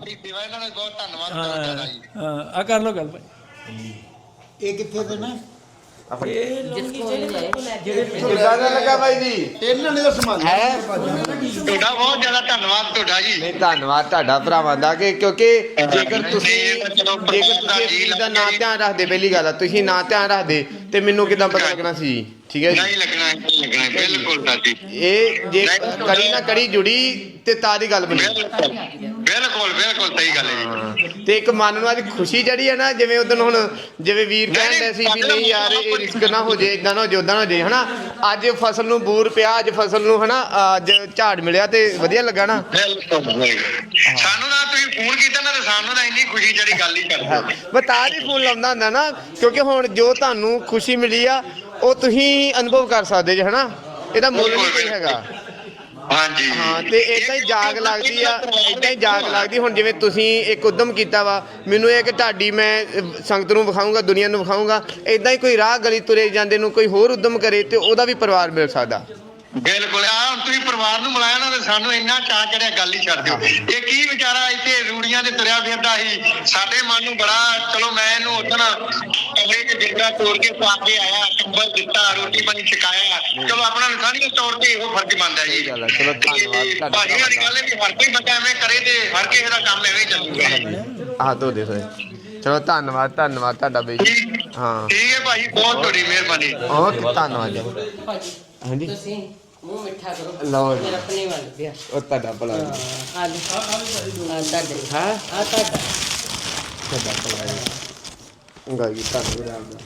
Speaker 2: ਹਾਂ ਹਾਂ ਆ ਕਰ ਲਓ ਗੱਲ ਭਾਈ।
Speaker 8: ਇਹ ਕਿੱਥੇ ਤੋਂ ਨਾ
Speaker 1: ਜਿਸ ਕੋਲ ਜਾਏ
Speaker 3: ਕਿੱਦਾਂ ਦਾ ਲੱਗਾ ਬਾਈ ਜੀ?
Speaker 8: ਇਹਨਾਂ ਨੇ ਤਾਂ ਸੰਭਾਲਿਆ
Speaker 3: ਹੈ
Speaker 10: ਤੁਹਾਡਾ ਬਹੁਤ ਜ਼ਿਆਦਾ ਧੰਨਵਾਦ ਤੁਹਾਡਾ ਜੀ।
Speaker 3: ਨਹੀਂ ਧੰਨਵਾਦ ਤੁਹਾਡਾ ਭਰਾਵਾਂ ਦਾ ਕਿ ਕਿਉਂਕਿ ਜੇਕਰ ਤੁਸੀਂ ਜੇਕਰ ਤੁਸੀਂ ਇਸ ਚੀਜ਼ ਦਾ ਨਾਂ ਧਿਆਨ ਰੱਖਦੇ ਪਹਿਲੀ ਗੱਲ ਆ ਤੁਸੀਂ ਨਾਂ ਧਿਆਨ ਰੱਖਦੇ ਤੇ ਮੈਨੂੰ ਕਿੱਦਾਂ ਪਤਾ ਲੱਗਣਾ ਸੀ ਜੀ। ਠੀਕ ਹੈ ਜੀ
Speaker 10: ਨਹੀਂ ਲੱਗਣਾ ਨਹੀਂ ਲੱਗਣਾ ਬਿਲਕੁਲ ਸਾਡੀ
Speaker 3: ਇਹ ਜੇ ਕੜੀ ਨਾ ਕੜੀ ਜੁੜੀ ਤੇ ਤਾਂ ਦੀ ਗੱਲ ਬਣੀ।
Speaker 10: ਬਿਲਕੁਲ ਬਿਲਕੁਲ ਸਹੀ ਗੱਲ ਹੈ ਜੀ।
Speaker 3: ਹਾਂ, ਤੇ ਇੱਕ ਮਨ ਨੂੰ ਅੱਜ ਖੁਸ਼ੀ ਜਿਹੜੀ ਹੈ ਨਾ ਜਿਵੇਂ ਉਦੋਂ ਹੁਣ ਜਿਵੇਂ ਵੀਰ ਕਹਿੰਦੇ ਸੀ ਵੀ ਨਹੀਂ ਯਾਰ ਇਹ ਰਿਸਕ ਨਾ ਹੋ ਜੇ ਇਦਾਂ ਨਾ ਹੋ ਜੇ ਉਦਾਂ ਨਾ ਹੋ ਜੇ ਹਨਾ। ਅੱਜ ਫਸਲ ਨੂੰ ਬੂਰ ਪਿਆ ਅੱਜ ਫਸਲ ਨੂੰ ਹਨਾ ਅੱਜ ਝਾੜ ਮਿਲਿਆ ਤੇ ਵਧੀਆ ਲੱਗਾ ਨਾ।
Speaker 10: ਬਿਲਕੁਲ ਸਾਨੂੰ ਨਾ ਤੁਸੀਂ ਫੋਨ ਕੀਤਾ ਨਾ ਤੇ ਸਾਨੂੰ ਤਾਂ ਇੰਨੀ ਖੁਸ਼ੀ ਜਿਹੜੀ ਗੱਲ ਹੀ ਕਰਦੇ।
Speaker 3: ਮੈਂ ਤਾਂ ਹੀ ਫੋਨ ਲਾਉਂਦਾ ਹੁੰਦਾ ਨਾ ਕਿਉਂਕਿ ਹੁਣ ਜੋ ਤੁਹਾਨੂੰ ਖੁਸ਼ੀ ਮਿਲੀ ਆ ਉਹ ਤੁਸੀਂ ਅਨੁਭਵ ਕਰ ਸਕਦੇ ਜੇ ਹਨਾ। ਇਹਦਾ ਮੁੱਲ ਨਹੀਂ ਕੋਈ ਹੈਗਾ।
Speaker 10: ਹਾਂਜੀ
Speaker 3: ਹਾਂ ਤੇ ਏਦਾਂ ਹੀ ਜਾਗ ਲੱਗਦੀ ਆ ਏਦਾਂ ਹੀ ਜਾਗ ਲੱਗਦੀ। ਹੁਣ ਜਿਵੇਂ ਤੁਸੀਂ ਇੱਕ ਉਦਮ ਕੀਤਾ ਵਾ ਮੈਨੂੰ ਇਹ ਕਿ ਤੁਹਾਡੀ ਮੈਂ ਅਹ, ਸੰਗਤ ਨੂੰ ਵਿਖਾਊਂਗਾ ਦੁਨੀਆ ਨੂੰ ਵਿਖਾਊਂਗਾ ਏਦਾਂ ਹੀ ਕੋਈ ਰਾਹ ਗਲੀ ਤੁਰੇ ਜਾਂਦੇ ਨੂੰ ਕੋਈ ਹੋਰ ਉਦਮ ਕਰੇ ਤੇ ਉਹਦਾ ਵੀ ਪਰਿਵਾਰ ਮਿਲ ਸਕਦਾ।
Speaker 10: ਬਿਲਕੁਲ ਆ ਹੁਣ ਤੁਸੀਂ ਪਰਿਵਾਰ ਨੂੰ ਮਿਲਾਇਆ ਨਾ ਤੇ ਸਾਨੂੰ ਇੰਨਾ ਚਾਅ ਚੜਿਆ ਗੱਲ ਹੀ ਛੱਡ ਦਿਓ। ਇਹ ਕੀ ਵਿਚਾਰਾ ਇੱਥੇ ਰੂੜੀਆਂ ਤੇ ਤੁਰਿਆ ਫਿਰਦਾ ਸੀ ਸਾਡੇ ਮਨ ਨੂੰ ਬੜਾ ਚਲੋ ਮੈਂ ਇਹਨੂੰ ਉਦੋਂ ਕਮਰੇ 'ਚ ਡੇਰਾ ਤੋੜ ਕੇ ਪਾ ਕੇ ਆਇਆ ਕੰਬਲ ਦਿੱਤਾ ਰੋਟੀ ਪਾਣੀ ਛਕਾਇਆ ਚਲੋ ਆਪਣਾ ਇਨਸਾਨੀਅਤ ਤੌਰ ਤੇ ਇਹੋ ਫਰਜ਼ ਬਣਦਾ ਜੀ।
Speaker 3: ਚਲੋ ਧੰਨਵਾਦ ਤੁਹਾਡਾ।
Speaker 10: ਭਾਜੀ ਵਾਲੀ ਗੱਲ ਹੈ ਵੀ ਹਰ ਕੋਈ ਬੰਦਾ ਐਵੇਂ ਕਰੇ ਤੇ ਹਰ ਕਿਸੇ ਦਾ ਕੰਮ ਐਵੇਂ ਹੀ ਚੱਲੂਗਾ।
Speaker 3: ਆਹ ਧੋ ਦੇ ਸੋਏ ਚਲੋ ਧੰਨਵਾਦ ਧੰਨਵਾਦ ਤੁਹਾਡਾ ਬਈ ਜੀ। ਹਾਂ
Speaker 10: ਠੀਕ ਹੈ ਭਾਜੀ ਬਹੁਤ ਤੁਹਾਡੀ ਮਿਹਰਬਾਨੀ।
Speaker 3: ਬਹੁਤ ਧੰਨਵਾਦ ਜੀ।
Speaker 1: ਭਾਜੀ
Speaker 3: ਹਾਂਜੀ
Speaker 1: ਤੁਸੀਂ ਮੂੰਹ ਮਿੱਠਾ ਕਰੋ
Speaker 3: ਲਓ ਜੀ।
Speaker 1: ਮੇਰਾ ਆਪਣੇ ਵੱਲ ਪਿਆ
Speaker 3: ਉਹ ਤੁਹਾਡਾ ਭਲਾ ਜੀ।
Speaker 1: ਆ ਲਓ ਆ ਤੁਹਾਡੇ
Speaker 3: ਹਾਂ
Speaker 1: ਆ ਤੁਹਾਡਾ
Speaker 3: ਤੁਹਾਡਾ ਭਲਾ ਜੀ। ਗਾਈ ਧੰਨਵਾਦ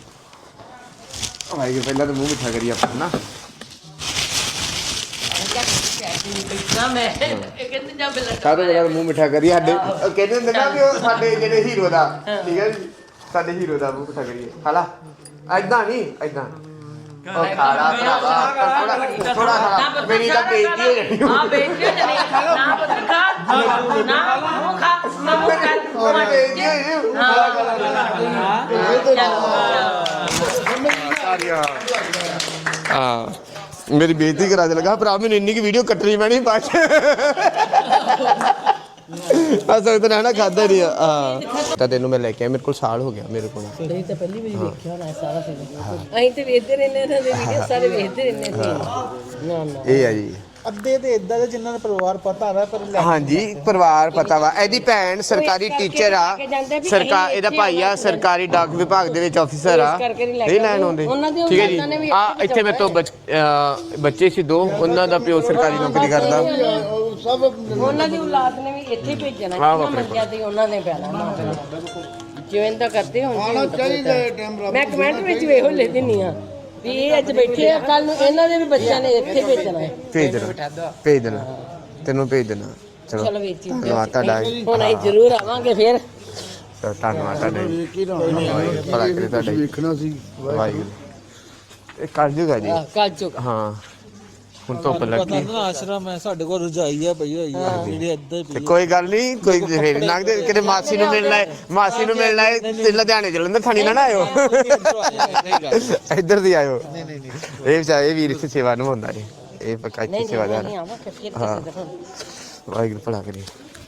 Speaker 3: ਭਾਈ ਜੀ ਪਹਿਲਾਂ ਤਾਂ ਮੂੰਹ ਮਿੱਠਾ ਕਰੀ ਆਪਾਂ ਨਾ।
Speaker 1: ਨਾ ਮੈਂ ਇਹ ਕਹਿੰਦੇ ਜਾ ਬਿਲਕੁਲ
Speaker 3: ਸਾਰੇ ਬੜਾ ਮੂੰਹ ਮਿੱਠਾ ਕਰੀ ਸਾਡੇ ਉਹ ਕਹਿੰਦੇ ਹੁੰਦੇ ਨਾ ਵੀ ਉਹ ਸਾਡੇ ਜਿਹੜੇ ਹੀਰੋ ਦਾ ਠੀਕ ਹੈ ਜੀ ਸਾਡੇ ਹੀਰੋ ਦਾ ਮੂੰਹ ਮਿੱਠਾ ਕਰੀਏ ਖਾਲਾ ਐਦਾਂ ਨਹੀਂ ਐਦਾਂ ਉਹ ਖਾਲਾ ਭਰਾਵਾ ਥੋੜਾ ਥੋੜਾ ਖਾਲਾ ਮੇਰੀ ਤਾਂ ਬੇਇੱਜ਼ਤੀ ਹੋ ਜਾਣੀ
Speaker 1: ਆ ਬੇਟੀ ਜਣੀ ਨਾ ਪਤਾ ਖਾ ਨਾ ਮੂੰਹ ਖਾ ਨਾ ਮੂੰਹ ਕਰ
Speaker 3: ਉਹ ਬੇਇੱਜ਼ਤੀ ਹੋਈ ਸਾਰੀਆਂ ਹਾਂ ਮੇਰੀ ਬੇਇੱਜ਼ਤੀ ਕਰਾ ਦੇ ਲਗਾ ਭਰਾ ਮੈਨੂੰ ਇੰਨੀ ਕੀ ਵੀਡੀਓ ਕੱਟਣੀ ਪੈਣੀ ਬਾਅਦ ਚ ਅਸਲ ਤਾਂ ਨਾ ਖਾਦਾ ਨਹੀਂ ਆ ਤਾਂ ਤੈਨੂੰ ਮੈਂ ਲੈ ਕੇ ਆਇਆ ਮੇਰੇ ਕੋਲ ਸਾਲ ਹੋ ਗਿਆ ਮੇਰੇ ਕੋਲ
Speaker 1: ਨਹੀਂ ਤਾਂ ਪਹਿਲੀ ਵਾਰੀ ਦੇਖਿਆ ਹੋਣਾ ਸਾਰਾ ਫਿਲਮ ਅਸੀਂ ਤੇ ਵੇਖਦੇ ਰਹਿੰਦੇ ਇਹਨਾਂ ਦੇ ਵੀਡੀਓ ਸਾਰੇ ਵੇਖਦੇ ਰਹਿੰਦੇ ਸੀ ਨਾ ਨਾ
Speaker 3: ਇਹ ਆ ਜੀ
Speaker 8: ਅੱਧੇ ਤੇ ਇਦਾਂ ਦੇ ਜਿਨ੍ਹਾਂ ਦਾ ਪਰਿਵਾਰ ਪਤਾ ਹੈ ਪਰ
Speaker 3: ਹਾਂਜੀ ਪਰਿਵਾਰ ਪਤਾ ਵਾ ਇਹਦੀ ਭੈਣ ਸਰਕਾਰੀ ਟੀਚਰ ਆ ਸਰਕਾਰ ਇਹਦਾ ਭਾਈ ਆ ਸਰਕਾਰੀ ਡਾਕ ਵਿਭਾਗ ਦੇ ਵਿੱਚ ਆਫੀਸਰ ਆ ਇਹ ਲੈਣ ਆਉਂਦੇ ਠੀਕ ਹੈ ਜੀ ਆ ਇੱਥੇ ਮੇਰੇ ਤੋਂ ਬੱਚੇ ਸੀ ਦੋ ਉਹਨਾਂ ਦਾ ਪਿਓ ਸਰਕਾਰੀ ਨੌਕਰੀ ਕਰਦਾ
Speaker 1: ਸਭ ਉਹਨਾਂ ਦੀ ਔਲਾਦ ਨੇ ਵੀ ਇੱਥੇ ਭੇਜਣਾ ਕਿੰਨਾ ਮੰਗਿਆ ਤੇ ਉਹਨਾਂ ਨੇ ਪੈਣਾ ਜਿਵੇਂ ਦਾ ਕਰਦੇ ਹੁਣ ਮੈਂ ਕਮੈਂਟ ਵਿੱਚ ਵੇਖੋ ਲਿਖ ਦਿੰਨੀ ਆ ਵੀ ਇਹ ਅੱਜ ਬੈਠੇ ਆ ਕੱਲ ਨੂੰ ਇਹਨਾਂ ਦੇ ਵੀ ਬੱਚਿਆਂ ਨੇ ਇੱਥੇ ਭੇਜਣਾ ਹੈ
Speaker 3: ਭੇਜ ਦੇਣਾ ਭੇਜ ਦੇਣਾ ਤੈਨੂੰ ਭੇਜ ਦੇਣਾ ਚਲੋ
Speaker 1: ਚਲੋ ਵੇਚੀ
Speaker 3: ਧੰਨਵਾਦ ਤੁਹਾਡਾ
Speaker 1: ਹੁਣ ਅਸੀਂ ਜ਼ਰੂਰ ਆਵਾਂਗੇ ਫਿਰ
Speaker 3: ਧੰਨਵਾਦ ਤੁਹਾਡਾ ਭਲਾ ਕਰੇ ਤੁਹਾਡਾ
Speaker 4: ਵੇਖਣਾ ਸੀ
Speaker 3: ਵਾਹਿਗੁਰੂ ਇਹ ਕਰ ਜੂਗਾ ਜੀ
Speaker 1: ਕੱਲ ਚੁੱਕ
Speaker 3: ਹਾਂ ਹੁਣ ਧੁੱਪ ਲੱਗੀ
Speaker 8: ਪਤਾ ਆਸ਼ਰਮ ਹੈ ਸਾਡੇ ਕੋਲ ਰਜਾਈ ਆ ਪਈ ਹੋਈ ਹੈ ਜਿਹੜੇ ਇੱਧਰ
Speaker 3: ਤੇ ਕੋਈ ਗੱਲ ਨਹੀਂ ਕੋਈ ਫੇਰ ਲੰਘਦੇ ਕਿਤੇ ਮਾਸੀ ਨੂੰ ਮਿਲਣਾ ਹੈ ਮਾਸੀ ਨੂੰ ਮਿਲਣਾ ਹੈ ਤੇ ਲੁਧਿਆਣੇ ਚੱਲਣ ਥਾਣੀ ਨਾ ਆਇਓ ਇੱਧਰ ਦੀ ਆਇਓ ਨਹੀਂ ਨਹੀਂ ਨਹੀਂ ਇਹ ਵਿਚਾਰਾ ਇਹ ਵੀਰ ਇੱਥੇ ਸੇਵਾ ਨਿਭਾਉਂਦਾ ਜੀ ਇਹ ਪੱਕਾ ਇੱਥੇ ਸੇਵਾਦਾਰ
Speaker 1: ਨਹੀਂ ਆਵਾਂ ਫਿਰ ਫਿਰ
Speaker 3: ਹਾਂ ਵਾਹਿਗੁਰੂ ਭਲਾ ਕਰੇ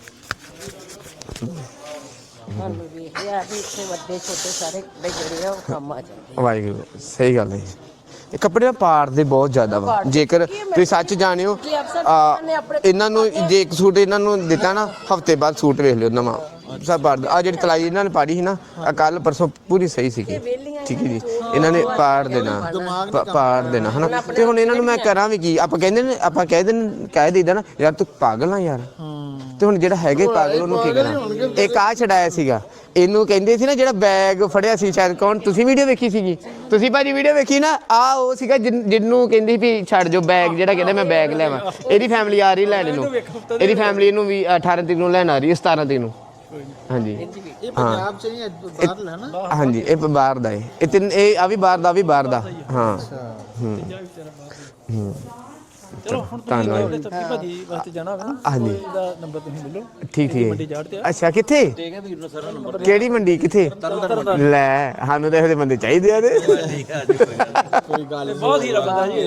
Speaker 1: ਸਾਨੂੰ ਵੇਖਿਆ ਵੀ ਇੱਥੇ ਵੱਡੇ ਛੋਟੇ ਸਾਰੇ ਜਿਹੜੇ ਆ ਉਹ ਕੰਮ ਆ ਜਾਂਦੇ
Speaker 3: ਵਾਹਿਗੁਰੂ ਸਹੀ ਗੱਲ ਹੈ ਇਹ ਕੱਪੜੇ ਦਾ ਪਾੜ ਦੇ ਬਹੁਤ ਜ਼ਿਆਦਾ ਵਾ ਜੇਕਰ ਤੁਸੀਂ ਸੱਚ ਜਾਣਿਓ ਇਹਨਾਂ ਨੂੰ ਜੇ ਇੱਕ ਸੂਟ ਇਹਨਾਂ ਨੂੰ ਦਿੱਤਾ ਨਾ ਹਫਤੇ ਬਾਅਦ ਸੂਟ ਵੇਖ ਲਿਓ ਨਵਾਂ ਸਭ ਪਾੜ ਆ ਜਿਹੜੀ ਤਲਾਈ ਇਹਨਾਂ ਨੇ ਪਾੜੀ ਸੀ ਨਾ ਆ ਕੱਲ ਪਰਸੋਂ ਪੂਰੀ ਸਹੀ ਸੀਗੀ ਠੀਕ ਹੈ ਜੀ ਇਹਨਾਂ ਨੇ ਪਾੜ ਦੇਣਾ ਪਾੜ ਦੇਣਾ ਹਨਾ ਤੇ ਹੁਣ ਇਹਨਾਂ ਨੂੰ ਮੈਂ ਕਰਾਂ ਵੀ ਕੀ ਆਪਾਂ ਕਹਿੰਦੇ ਨੇ ਆਪਾਂ ਕਹਿ ਦੇ ਕਹਿ ਦੇਈਦਾ ਨਾ ਯਾਰ ਤੂੰ ਪਾਗਲ ਆ ਯਾਰ ਤੇ ਹੁਣ ਜਿਹੜਾ ਹੈਗੇ ਪਾਗਲ ਉਹਨੂੰ ਕੀ ਕਰਾਂ ਇੱਕ ਆ ਛਡਾਇਆ ਸੀਗਾ ਇਹਨੂੰ ਕਹਿੰਦੇ ਸੀ ਨਾ ਜਿਹੜਾ ਬੈਗ ਫੜਿਆ ਸੀ ਸ਼ਾਇਦ ਕੌਣ ਤੁਸੀਂ ਵੀਡੀਓ ਵੇਖੀ ਸੀਗੀ ਤੁਸੀਂ ਭਾਜੀ ਵੀਡੀਓ ਵੇਖੀ ਨਾ ਆ ਉਹ ਸੀਗਾ ਜਿਹਨੂੰ ਕਹਿੰਦੀ ਵੀ ਛੱਡ ਜੋ ਬੈਗ ਜਿਹੜਾ ਕਹਿੰਦਾ ਮੈਂ ਬੈਗ ਲੈਵਾਂ ਇਹਦੀ ਫੈਮਿਲੀ ਆ ਰਹੀ ਲੈਣ ਨੂੰ ਇਹਦੀ ਫੈਮਿਲੀ ਇਹਨੂੰ ਵੀ ਅਠਾਰਾਂ ਤਰੀਕ ਨੂੰ ਲੈਣ ਆ ਰਹੀ ਸਤਾਰਾਂ ਤਰੀਕ ਨੂੰ ਹਾਂਜੀ
Speaker 8: ਇਹ ਪੰਜਾਬ ਚ ਨਹੀਂ ਬਾਹਰ ਲੈਣਾ
Speaker 3: ਹਾਂਜੀ ਇਹ ਬਾਹਰ ਦਾ ਹੈ ਇਹ ਤਿੰਨ ਇਹ ਆ ਵੀ ਬਾਹਰ ਦਾ ਵੀ ਬਾਹਰ ਦਾ ਹਾਂ ਹੂੰ ਹੂੰ
Speaker 2: ਚਲੋ ਹੁਣ ਧੰਨਵਾਦ ਤੱਕੀ ਭਾਜੀ ਵਾਸਤੇ ਜਾਣਾ ਹੋਵੇ ਨਾ
Speaker 3: ਹਾਂਜੀ
Speaker 2: ਇਹਦਾ ਨੰਬਰ ਤੁਸੀਂ ਮਿਲੋ
Speaker 3: ਠੀਕ ਠੀਕ
Speaker 2: ਮੰਡੀ ਜਾੜ ਤੇ ਆ
Speaker 3: ਅੱਛਾ ਕਿੱਥੇ ਕਿਹੜੀ ਮੰਡੀ ਕਿੱਥੇ ਲੈ ਸਾਨੂੰ ਤਾਂ ਇਹਦੇ ਬੰਦੇ ਚਾਹੀਦੇ ਆ ਤੇ
Speaker 2: ਕੋਈ ਗੱਲ ਬਹੁਤ ਹੀਰਾ ਬੰਦਾ ਜੀ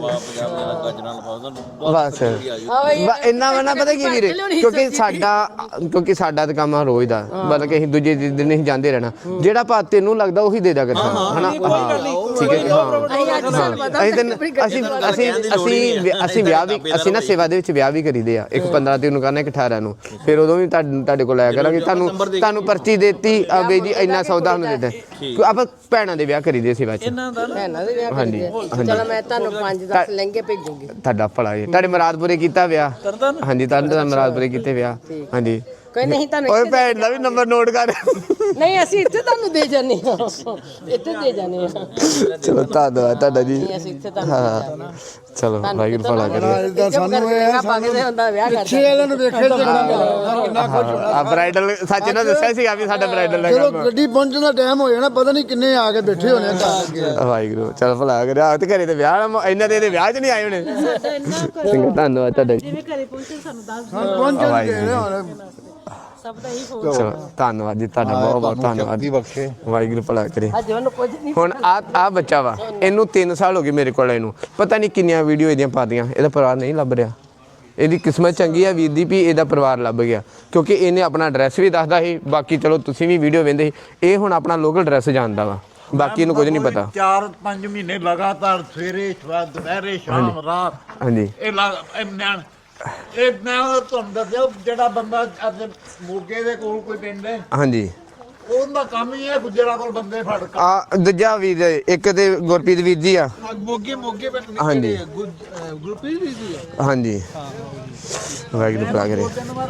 Speaker 3: ਬਸ ਇੰਨਾ ਵਾ ਨਾ ਪਤਾ ਕੀ ਵੀਰੇ ਕਿਉਂਕਿ ਸਾਡਾ ਕਿਉਂਕਿ ਸਾਡਾ ਤਾਂ ਕੰਮ ਆ ਰੋਜ਼ ਦਾ ਬਲਕਿ ਅਸੀਂ ਦੂਜੇ ਦਿਨ ਨਹੀਂ ਜਾਂਦੇ ਰਹਿਣਾ ਜਿਹੜਾ ਭਾ ਤੈਨੂੰ ਲੱਗਦਾ ਉਹੀ ਦੇ ਦਿਆ ਕਰਨਾ ਹਨਾ ਠੀਕ ਹੈ ਹਾਂ ਅਸੀਂ ਅਸੀਂ ਅਸੀਂ ਅਸੀਂ ਵਿਆਹ ਵੀ ਅਸੀਂ ਨਾ ਸੇਵਾ ਦੇ ਵਿੱਚ ਵਿਆਹ ਵੀ ਕਰੀਦੇ ਆ ਇੱਕ ਪੰਦਰਾਂ ਤਰੀਕ ਨੂੰ ਕਰਨਾ ਇੱਕ ਅਠਾਰਾਂ ਨੂੰ ਫਿਰ ਉਦੋਂ ਵੀ ਤੁਹਾਡੇ ਕੋਲ ਆਇਆ ਕਰਾਂਗੇ ਤੁਹਾਨੂੰ ਤੁਹਾਨੂੰ ਪਰਚੀ ਦੇਤੀ ਬਈ ਜੀ ਇੰਨਾ ਸੌਦਾ ਨੂੰ ਦੇ ਦੇ ਆਪਾਂ ਭੈਣਾਂ ਦੇ ਵਿਆਹ ਕਰੀਦੇ ਸੇਵਾ ਚ
Speaker 1: ਭੈਣਾਂ ਦੇ ਵਿਆਹ ਹਾਂਜੀ ਚਲੋ ਮੈਂ ਤੁਹਾਨੂੰ ਪੰਜ ਦਸ ਲਹਿੰਗੇ ਭੇਜੂਗੀ
Speaker 3: ਤੁਹਾਡਾ ਭਲਾ ਜੀ ਤੁਹਾਡੇ ਮੁਰਾਦਪੁਰੇ ਕੀਤਾ ਵਿਆਹ ਹਾਂਜੀ ਤੁਹਾਨੂੰ ਮੁਰਾਦਪੁਰੇ ਕੀਤੇ ਵਿਆਹ ਹਾਂਜੀ
Speaker 1: ਕੋਈ ਨਹੀਂ ਤੁਹਾਨੂੰ
Speaker 3: ਓਏ ਭੈਣ ਦਾ ਵੀ ਨੰਬਰ ਨੋਟ ਕਰ
Speaker 1: ਨਹੀਂ ਅਸੀਂ ਇੱਥੇ ਤੁਹਾਨੂੰ ਦੇ ਜਾਂਦੇ ਹਾਂ ਇੱਥੇ ਦੇ ਜਾਂਦੇ ਹਾਂ
Speaker 3: ਚਲੋ ਧੰਨਵਾਦ ਤੁਹਾਡਾ ਜੀ
Speaker 1: ਅਸੀਂ ਇੱਥੇ ਤੁਹਾਨੂੰ
Speaker 3: ਚਲੋ ਵਾਹਿਗੁਰੂ ਭਲਾ ਕਰੇ
Speaker 4: ਸਾਨੂੰ ਇਹ
Speaker 1: ਪਾਗਦੇ ਹੁੰਦਾ ਵਿਆਹ ਕਰਦੇ
Speaker 4: ਪਿੱਛੇ ਵਾਲਿਆਂ ਨੂੰ ਵੇਖੇ ਕਿੰਨਾ ਕੁਝ
Speaker 3: ਆ ਬ੍ਰਾਈਡਲ ਸੱਚ ਨਾ ਦੱਸਿਆ ਸੀ ਆ ਵੀ ਸਾਡਾ ਬ੍ਰਾਈਡਲ ਦਾ
Speaker 4: ਚਲੋ
Speaker 3: ਕੰਮ
Speaker 4: ਗੱਡੀ ਪਹੁੰਚਣ ਦਾ ਟਾਈਮ ਹੋ ਜਾਣਾ ਪਤਾ ਨਹੀਂ ਕਿੰਨੇ ਆ ਕੇ ਬੈਠੇ ਹੋਣੇ ਘਰ ਅੱਗੇ
Speaker 3: ਵਾਹਿਗੁਰੂ ਚਲ ਭਲਾ ਕਰੇ ਆ ਤੇ ਘਰੇ ਤੇ ਵਿਆਹ ਇਹਨਾਂ ਦੇ ਵਿਆਹ ਚ ਨਹੀਂ ਆਏ ਹੋਣੇ ਚੰਗਾ ਧੰਨਵਾਦ ਤੁਹਾਡਾ ਜੀ
Speaker 7: ਜਿਵੇਂ ਘਰੇ ਪਹੁੰਚੇ ਸਾਨੂੰ ਦੱਸ
Speaker 4: ਪਹੁੰਚਣਗੇ ਹੁਣ
Speaker 7: ਸਭ ਦਾ ਹੀ ਫੋਨ
Speaker 3: ਚਲੋ ਧੰਨਵਾਦ ਜੀ ਤੁਹਾਡਾ ਬਹੁਤ ਬਹੁਤ ਧੰਨਵਾਦ ਵਾਹਿਗੁਰੂ ਭਲਾ ਕਰੇ
Speaker 1: ਅੱਜ ਉਹਨੂੰ ਕੁਝ ਨਹੀਂ
Speaker 3: ਹੁਣ ਆ ਆ ਬੱਚਾ ਵਾ ਇਹਨੂੰ ਤਿੰਨ ਸਾਲ ਹੋ ਗਏ ਮੇਰੇ ਕੋਲ ਇਹਨੂੰ ਪਤਾ ਨਹੀਂ ਕਿੰਨੀਆਂ ਵੀਡੀਓ ਇਹਦੀਆਂ ਪਾਦੀਆਂ ਇਹਦਾ ਪਰਿਵਾਰ ਨਹੀਂ ਲੱਭ ਰਿਹਾ ਇਹਦੀ ਕਿਸਮਤ ਚੰਗੀ ਆ ਵੀਰ ਦੀ ਵੀ ਇਹਦਾ ਪਰਿਵਾਰ ਲੱਭ ਗਿਆ ਕਿਉਂਕਿ ਇਹਨੇ ਆਪਣਾ ਐਡਰੈਸ ਵੀ ਦੱਸਦਾ ਸੀ ਬਾਕੀ ਚਲੋ ਤੁਸੀਂ ਵੀ ਵੀਡੀਓ ਵੇਖਦੇ ਸੀ ਇਹ ਹੁਣ ਆਪਣਾ ਲੋਕਲ ਐਡਰੈਸ ਜਾਣਦਾ ਵਾ ਬਾਕੀ ਇਹਨੂੰ ਕੁਝ ਨਹੀਂ ਪਤਾ
Speaker 11: ਚਾਰ ਪੰਜ ਮਹੀਨੇ ਲਗਾਤਾਰ ਸਵੇਰੇ ਸਵੇਰ ਦੁਪਹਿਰੇ ਸ਼ਾਮ ਰਾਤ
Speaker 3: ਹਾਂਜੀ
Speaker 11: ਇਹ ਨਿਆਣ ਇਹ ਮੈਂ ਤੁਹਾਨੂੰ ਦੱਸਿਆ ਜਿਹੜਾ ਬੰਦਾ ਅੱਜ ਮੋਗੇ ਦੇ ਕੋਲ ਕੋਈ ਪਿੰਡ ਹੈ
Speaker 3: ਹਾਂਜੀ
Speaker 11: ਉਹਦਾ ਕੰਮ ਹੀ ਹੈ ਗੁੱਜਰਾਂ ਕੋਲ ਬੰਦੇ ਫੜ ਕੇ
Speaker 3: ਆ ਦੂਜਾ ਵੀਰ ਇੱਕ ਤੇ ਗੁਰਪ੍ਰੀਤ ਵੀਰ ਜੀ ਆ
Speaker 4: ਮੋਗੇ ਮੋਗੇ ਪਿੰਡ
Speaker 3: ਹਾਂਜੀ
Speaker 4: ਗੁਰਪ੍ਰੀਤ ਵੀ ਸੀ
Speaker 3: ਹਾਂਜੀ ਵਾਹਿਗੁਰੂ ਭਲਾ ਕਰੇ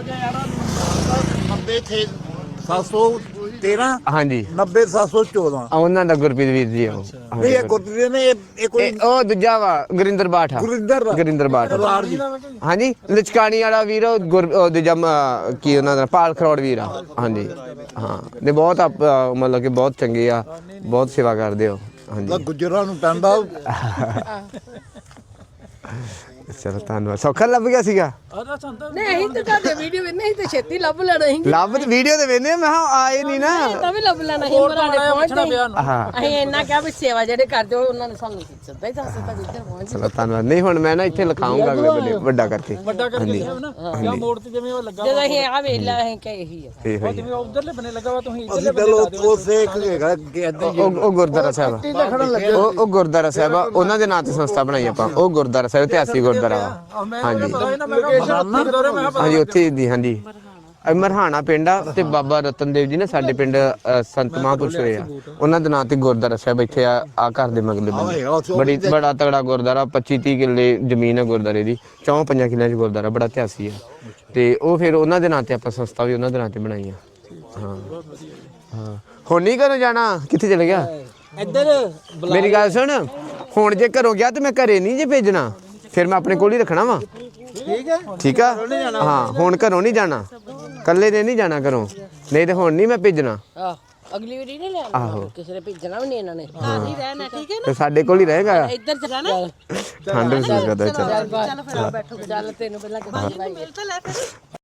Speaker 11: ਨੱਬੇ ਛੇ ਸੱਤ ਸੌ ਤੇਰਾਂ
Speaker 3: ਹਾਂਜੀ
Speaker 11: ਨੱਬੇ ਸੱਤ ਸੌ ਚੌਦਾਂ
Speaker 3: ਆ ਉਹਨਾਂ ਦਾ ਗੁਰਪ੍ਰੀਤ ਵੀਰ ਜੀ ਆ ਉਹ
Speaker 11: ਨਹੀਂ ਇਹ ਗੁਰਪ੍ਰੀਤ ਨੇ ਇਹ ਕੋਈ
Speaker 3: ਇਹ ਉਹ ਦੂਜਾ ਵਾ ਗੁਰਿੰਦਰ ਬਾਠ ਆ
Speaker 11: ਗੁਰਿੰਦਰ
Speaker 3: ਗੁਰਿੰਦਰ ਬਾਠ
Speaker 11: ਸਰਦਾਰ ਜੀ
Speaker 3: ਹਾਂਜੀ ਲਚਕਾਣੀ ਵਾਲਾ ਵੀਰ ਉਹ ਗੁਰ ਉਹ ਦੂਜਾ ਮ- ਕੀ ਉਹਨਾਂ ਦਾ ਪਾਲ ਖਰੋੜ ਵੀਰ ਆ ਹਾਂਜੀ ਹਾਂ ਨੇ ਬਹੁਤ ਆਪ- ਮਤਲਬ ਕਿ ਬਹੁਤ ਚੰਗੇ ਆ ਬਹੁਤ ਸੇਵਾ ਕਰਦੇ ਹੋ ਹਾਂਜੀ
Speaker 11: ਗੁੱਜਰਾਂ ਨੂੰ ਪੈਂਦਾ
Speaker 3: ਚਲੋ ਧੰਨਵਾਦ। ਸੌਖਾ ਲੱਭ ਗਿਆ ਸੀਗਾ?
Speaker 1: ਨਹੀਂ ਅਸੀਂ ਤਾਂ ਤੁਹਾਡੇ ਵੀਡੀਓ ਵੇਖਨੇ ਸੀ ਤੇ ਛੇਤੀ ਲੱਭ ਲੈਣਾ ਸੀ
Speaker 3: ਲੱਭ ਤੇ ਵੀਡੀਓ ਤੇ ਵੇਨੇ ਮੈਂ ਕਿਹਾ ਆਏ ਨਹੀਂ ਨਾ।
Speaker 1: ਤਾਂ ਵੀ ਲੱਭ ਲੈਣਾ ਸੀ ਮਰਾਣੇ ਪਹੁੰਚਦੇ
Speaker 3: ਹਾਂ
Speaker 1: ਅਸੀਂ ਇੰਨਾ ਕਿਹਾ ਵੀ ਸੇਵਾ ਜਿਹੜੇ ਕਰਦੇ ਹੋ ਉਹਨਾਂ ਨੇ ਸਾਨੂੰ ਸਿੱਧਾ ਹੀ ਦੱਸ ਦਿੱਤਾ ਜਿੱਧਰ ਪਹੁੰਚ
Speaker 3: ਚਲੋ ਧੰਨਵਾਦ। ਨਹੀਂ ਹੁਣ ਮੈਂ ਨਾ ਇੱਥੇ ਲਿਖਾਉਂਗਾ ਅਗਲੇ ਬੰਦੇ ਵੱਡਾ ਕਰਕੇ।
Speaker 2: ਵੱਡਾ ਕਰਕੇ ਨਾ ਜਾਂ ਮੋੜ ਤੇ ਜਿਵੇਂ ਉਹ ਲੱਗਾ
Speaker 1: ਜਦੋਂ ਅਸੀਂ ਆ ਵੇਖ ਲਿਆ ਅਸੀਂ ਕਿ ਇਹੀ ਆ
Speaker 3: ਇਹੋ ਹੀ
Speaker 2: ਜਿਵੇਂ ਉਧਰਲੇ ਬਨੇ ਲੱਗਾ ਵਾ ਤੁਸੀਂ ਇਧਰਲੇ ਬਨੇ ਲਾ ਦਿਓ।
Speaker 3: ਉਹ ਉਹ ਗੁਰਦੁਆਰਾ ਸਾਹਿਬ ਆ। ਉਹ ਉਹ ਗੁਰਦੁਆਰਾ ਸਾਹਿਬ ਆ, ਉਹਨਾਂ ਦੇ ਨਾਂ ਤੇ ਸੰਸਥਾ ਬਣਾਈ ਆਪਾਂ। ਉਹ ਗੁਰਦੁਆਰਾ ਸਾਹਿਬ ਇਤਿਹਾਸਿਕ ਗੁਰਦੁਆਰਾ ਵਾ। ਹਾਂਜੀ ਹਾਂਜੀ ਉੱਥੇ ਦੀ ਹਾਂਜੀ ਇਹ ਮਰਹਾਣਾ ਪਿੰਡ ਆ ਤੇ ਬਾਬਾ ਰਤਨ ਦੇਵ ਜੀ ਨੇ ਸਾਡੇ ਪਿੰਡ ਅ, ਸੰਤ ਮਹਾਂਪੁਰਸ਼ ਹੋਏ ਆ, ਉਹਨਾਂ ਦੇ ਨਾਂ ਤੇ ਗੁਰਦੁਆਰਾ ਸਾਹਿਬ ਇੱਥੇ ਆ ਆ ਘਰ ਦੇ ਮਗਲੇ ਬੰਦੇ। ਬੜੀ ਬੜਾ ਤਗੜਾ ਗੁਰਦੁਆਰਾ, ਪੱਚੀ ਤੀਹ ਕਿੱਲੇ ਜ਼ਮੀਨ ਹੈ ਗੁਰਦੁਆਰੇ ਦੀ, ਚੌਂ ਪੰਜਾਂ ਕਿੱਲਿਆਂ 'ਚ ਗੁਰਦੁਆਰਾ, ਬੜਾ ਇਤਿਹਾਸੀ ਆ। ਤੇ ਉਹ ਫਿਰ ਉਹਨਾਂ ਦੇ ਨਾਂ ਤੇ ਆਪਾਂ ਸੰਸਥਾ ਵੀ ਉਹਨਾਂ ਦੇ ਨਾਂ ਤੇ ਬਣਾਈ ਆ। ਹਾਂ ਹਾਂ ਹੁਣ ਨਹੀਂ ਘਰੋਂ ਜਾਣਾ? ਕਿੱਥੇ ਚਲੇ ਗਿਆ?
Speaker 2: ਇੱਧਰ
Speaker 3: ਮੇਰੀ ਗੱਲ ਸੁਣ, ਹੁਣ ਜੇ ਘਰੋਂ ਗਿਆ ਤੇ ਮੈਂ ਘਰੇ ਨਹੀਂ ਜੇ ਭੇਜਣਾ, ਫਿਰ ਮੈਂ ਆਪਣੇ ਕੋਲ ਹੀ ਰੱਖਣਾ ਵਾ।
Speaker 2: ਠੀਕ ਹੈ
Speaker 3: ਠੀਕ ਆ ਹਾਂ, ਹੁਣ ਘਰੋਂ ਨਹੀਂ ਜਾਣਾ, ਕੱਲੇ ਨੇ ਨਹੀਂ ਜਾਣਾ ਘਰੋਂ, ਨਹੀਂ ਤੇ ਹੁਣ ਨਹੀਂ ਮੈਂ ਭੇਜਣਾ।
Speaker 1: ਆ ਅਗਲੀ ਵਾਰੀ ਨਹੀਂ ਲਿਆਉਣਾ, ਕਿਸੇ ਨੇ ਭੇਜਣਾ ਵੀ ਨਹੀਂ ਇਹਨਾਂ ਨੇ।
Speaker 7: ਘਰ ਹੀ ਰਹਿਣਾ ਠੀਕ ਹੈ
Speaker 3: ਤੇ ਸਾਡੇ ਕੋਲ ਹੀ ਰਹੇਗਾ।
Speaker 1: ਇੱਧਰ ਚ ਰਹਿਣਾ
Speaker 3: ਠੰਡ ਵੀ ਕਰਦਾ।
Speaker 1: ਚੱਲ ਫਿਰ ਬੈਠੋ, ਚੱਲ ਤੈਨੂੰ ਪਹਿਲਾਂ ਕਿਹਾ
Speaker 7: ਮਿਲ ਤਾਂ ਲੈ ਫਿਰ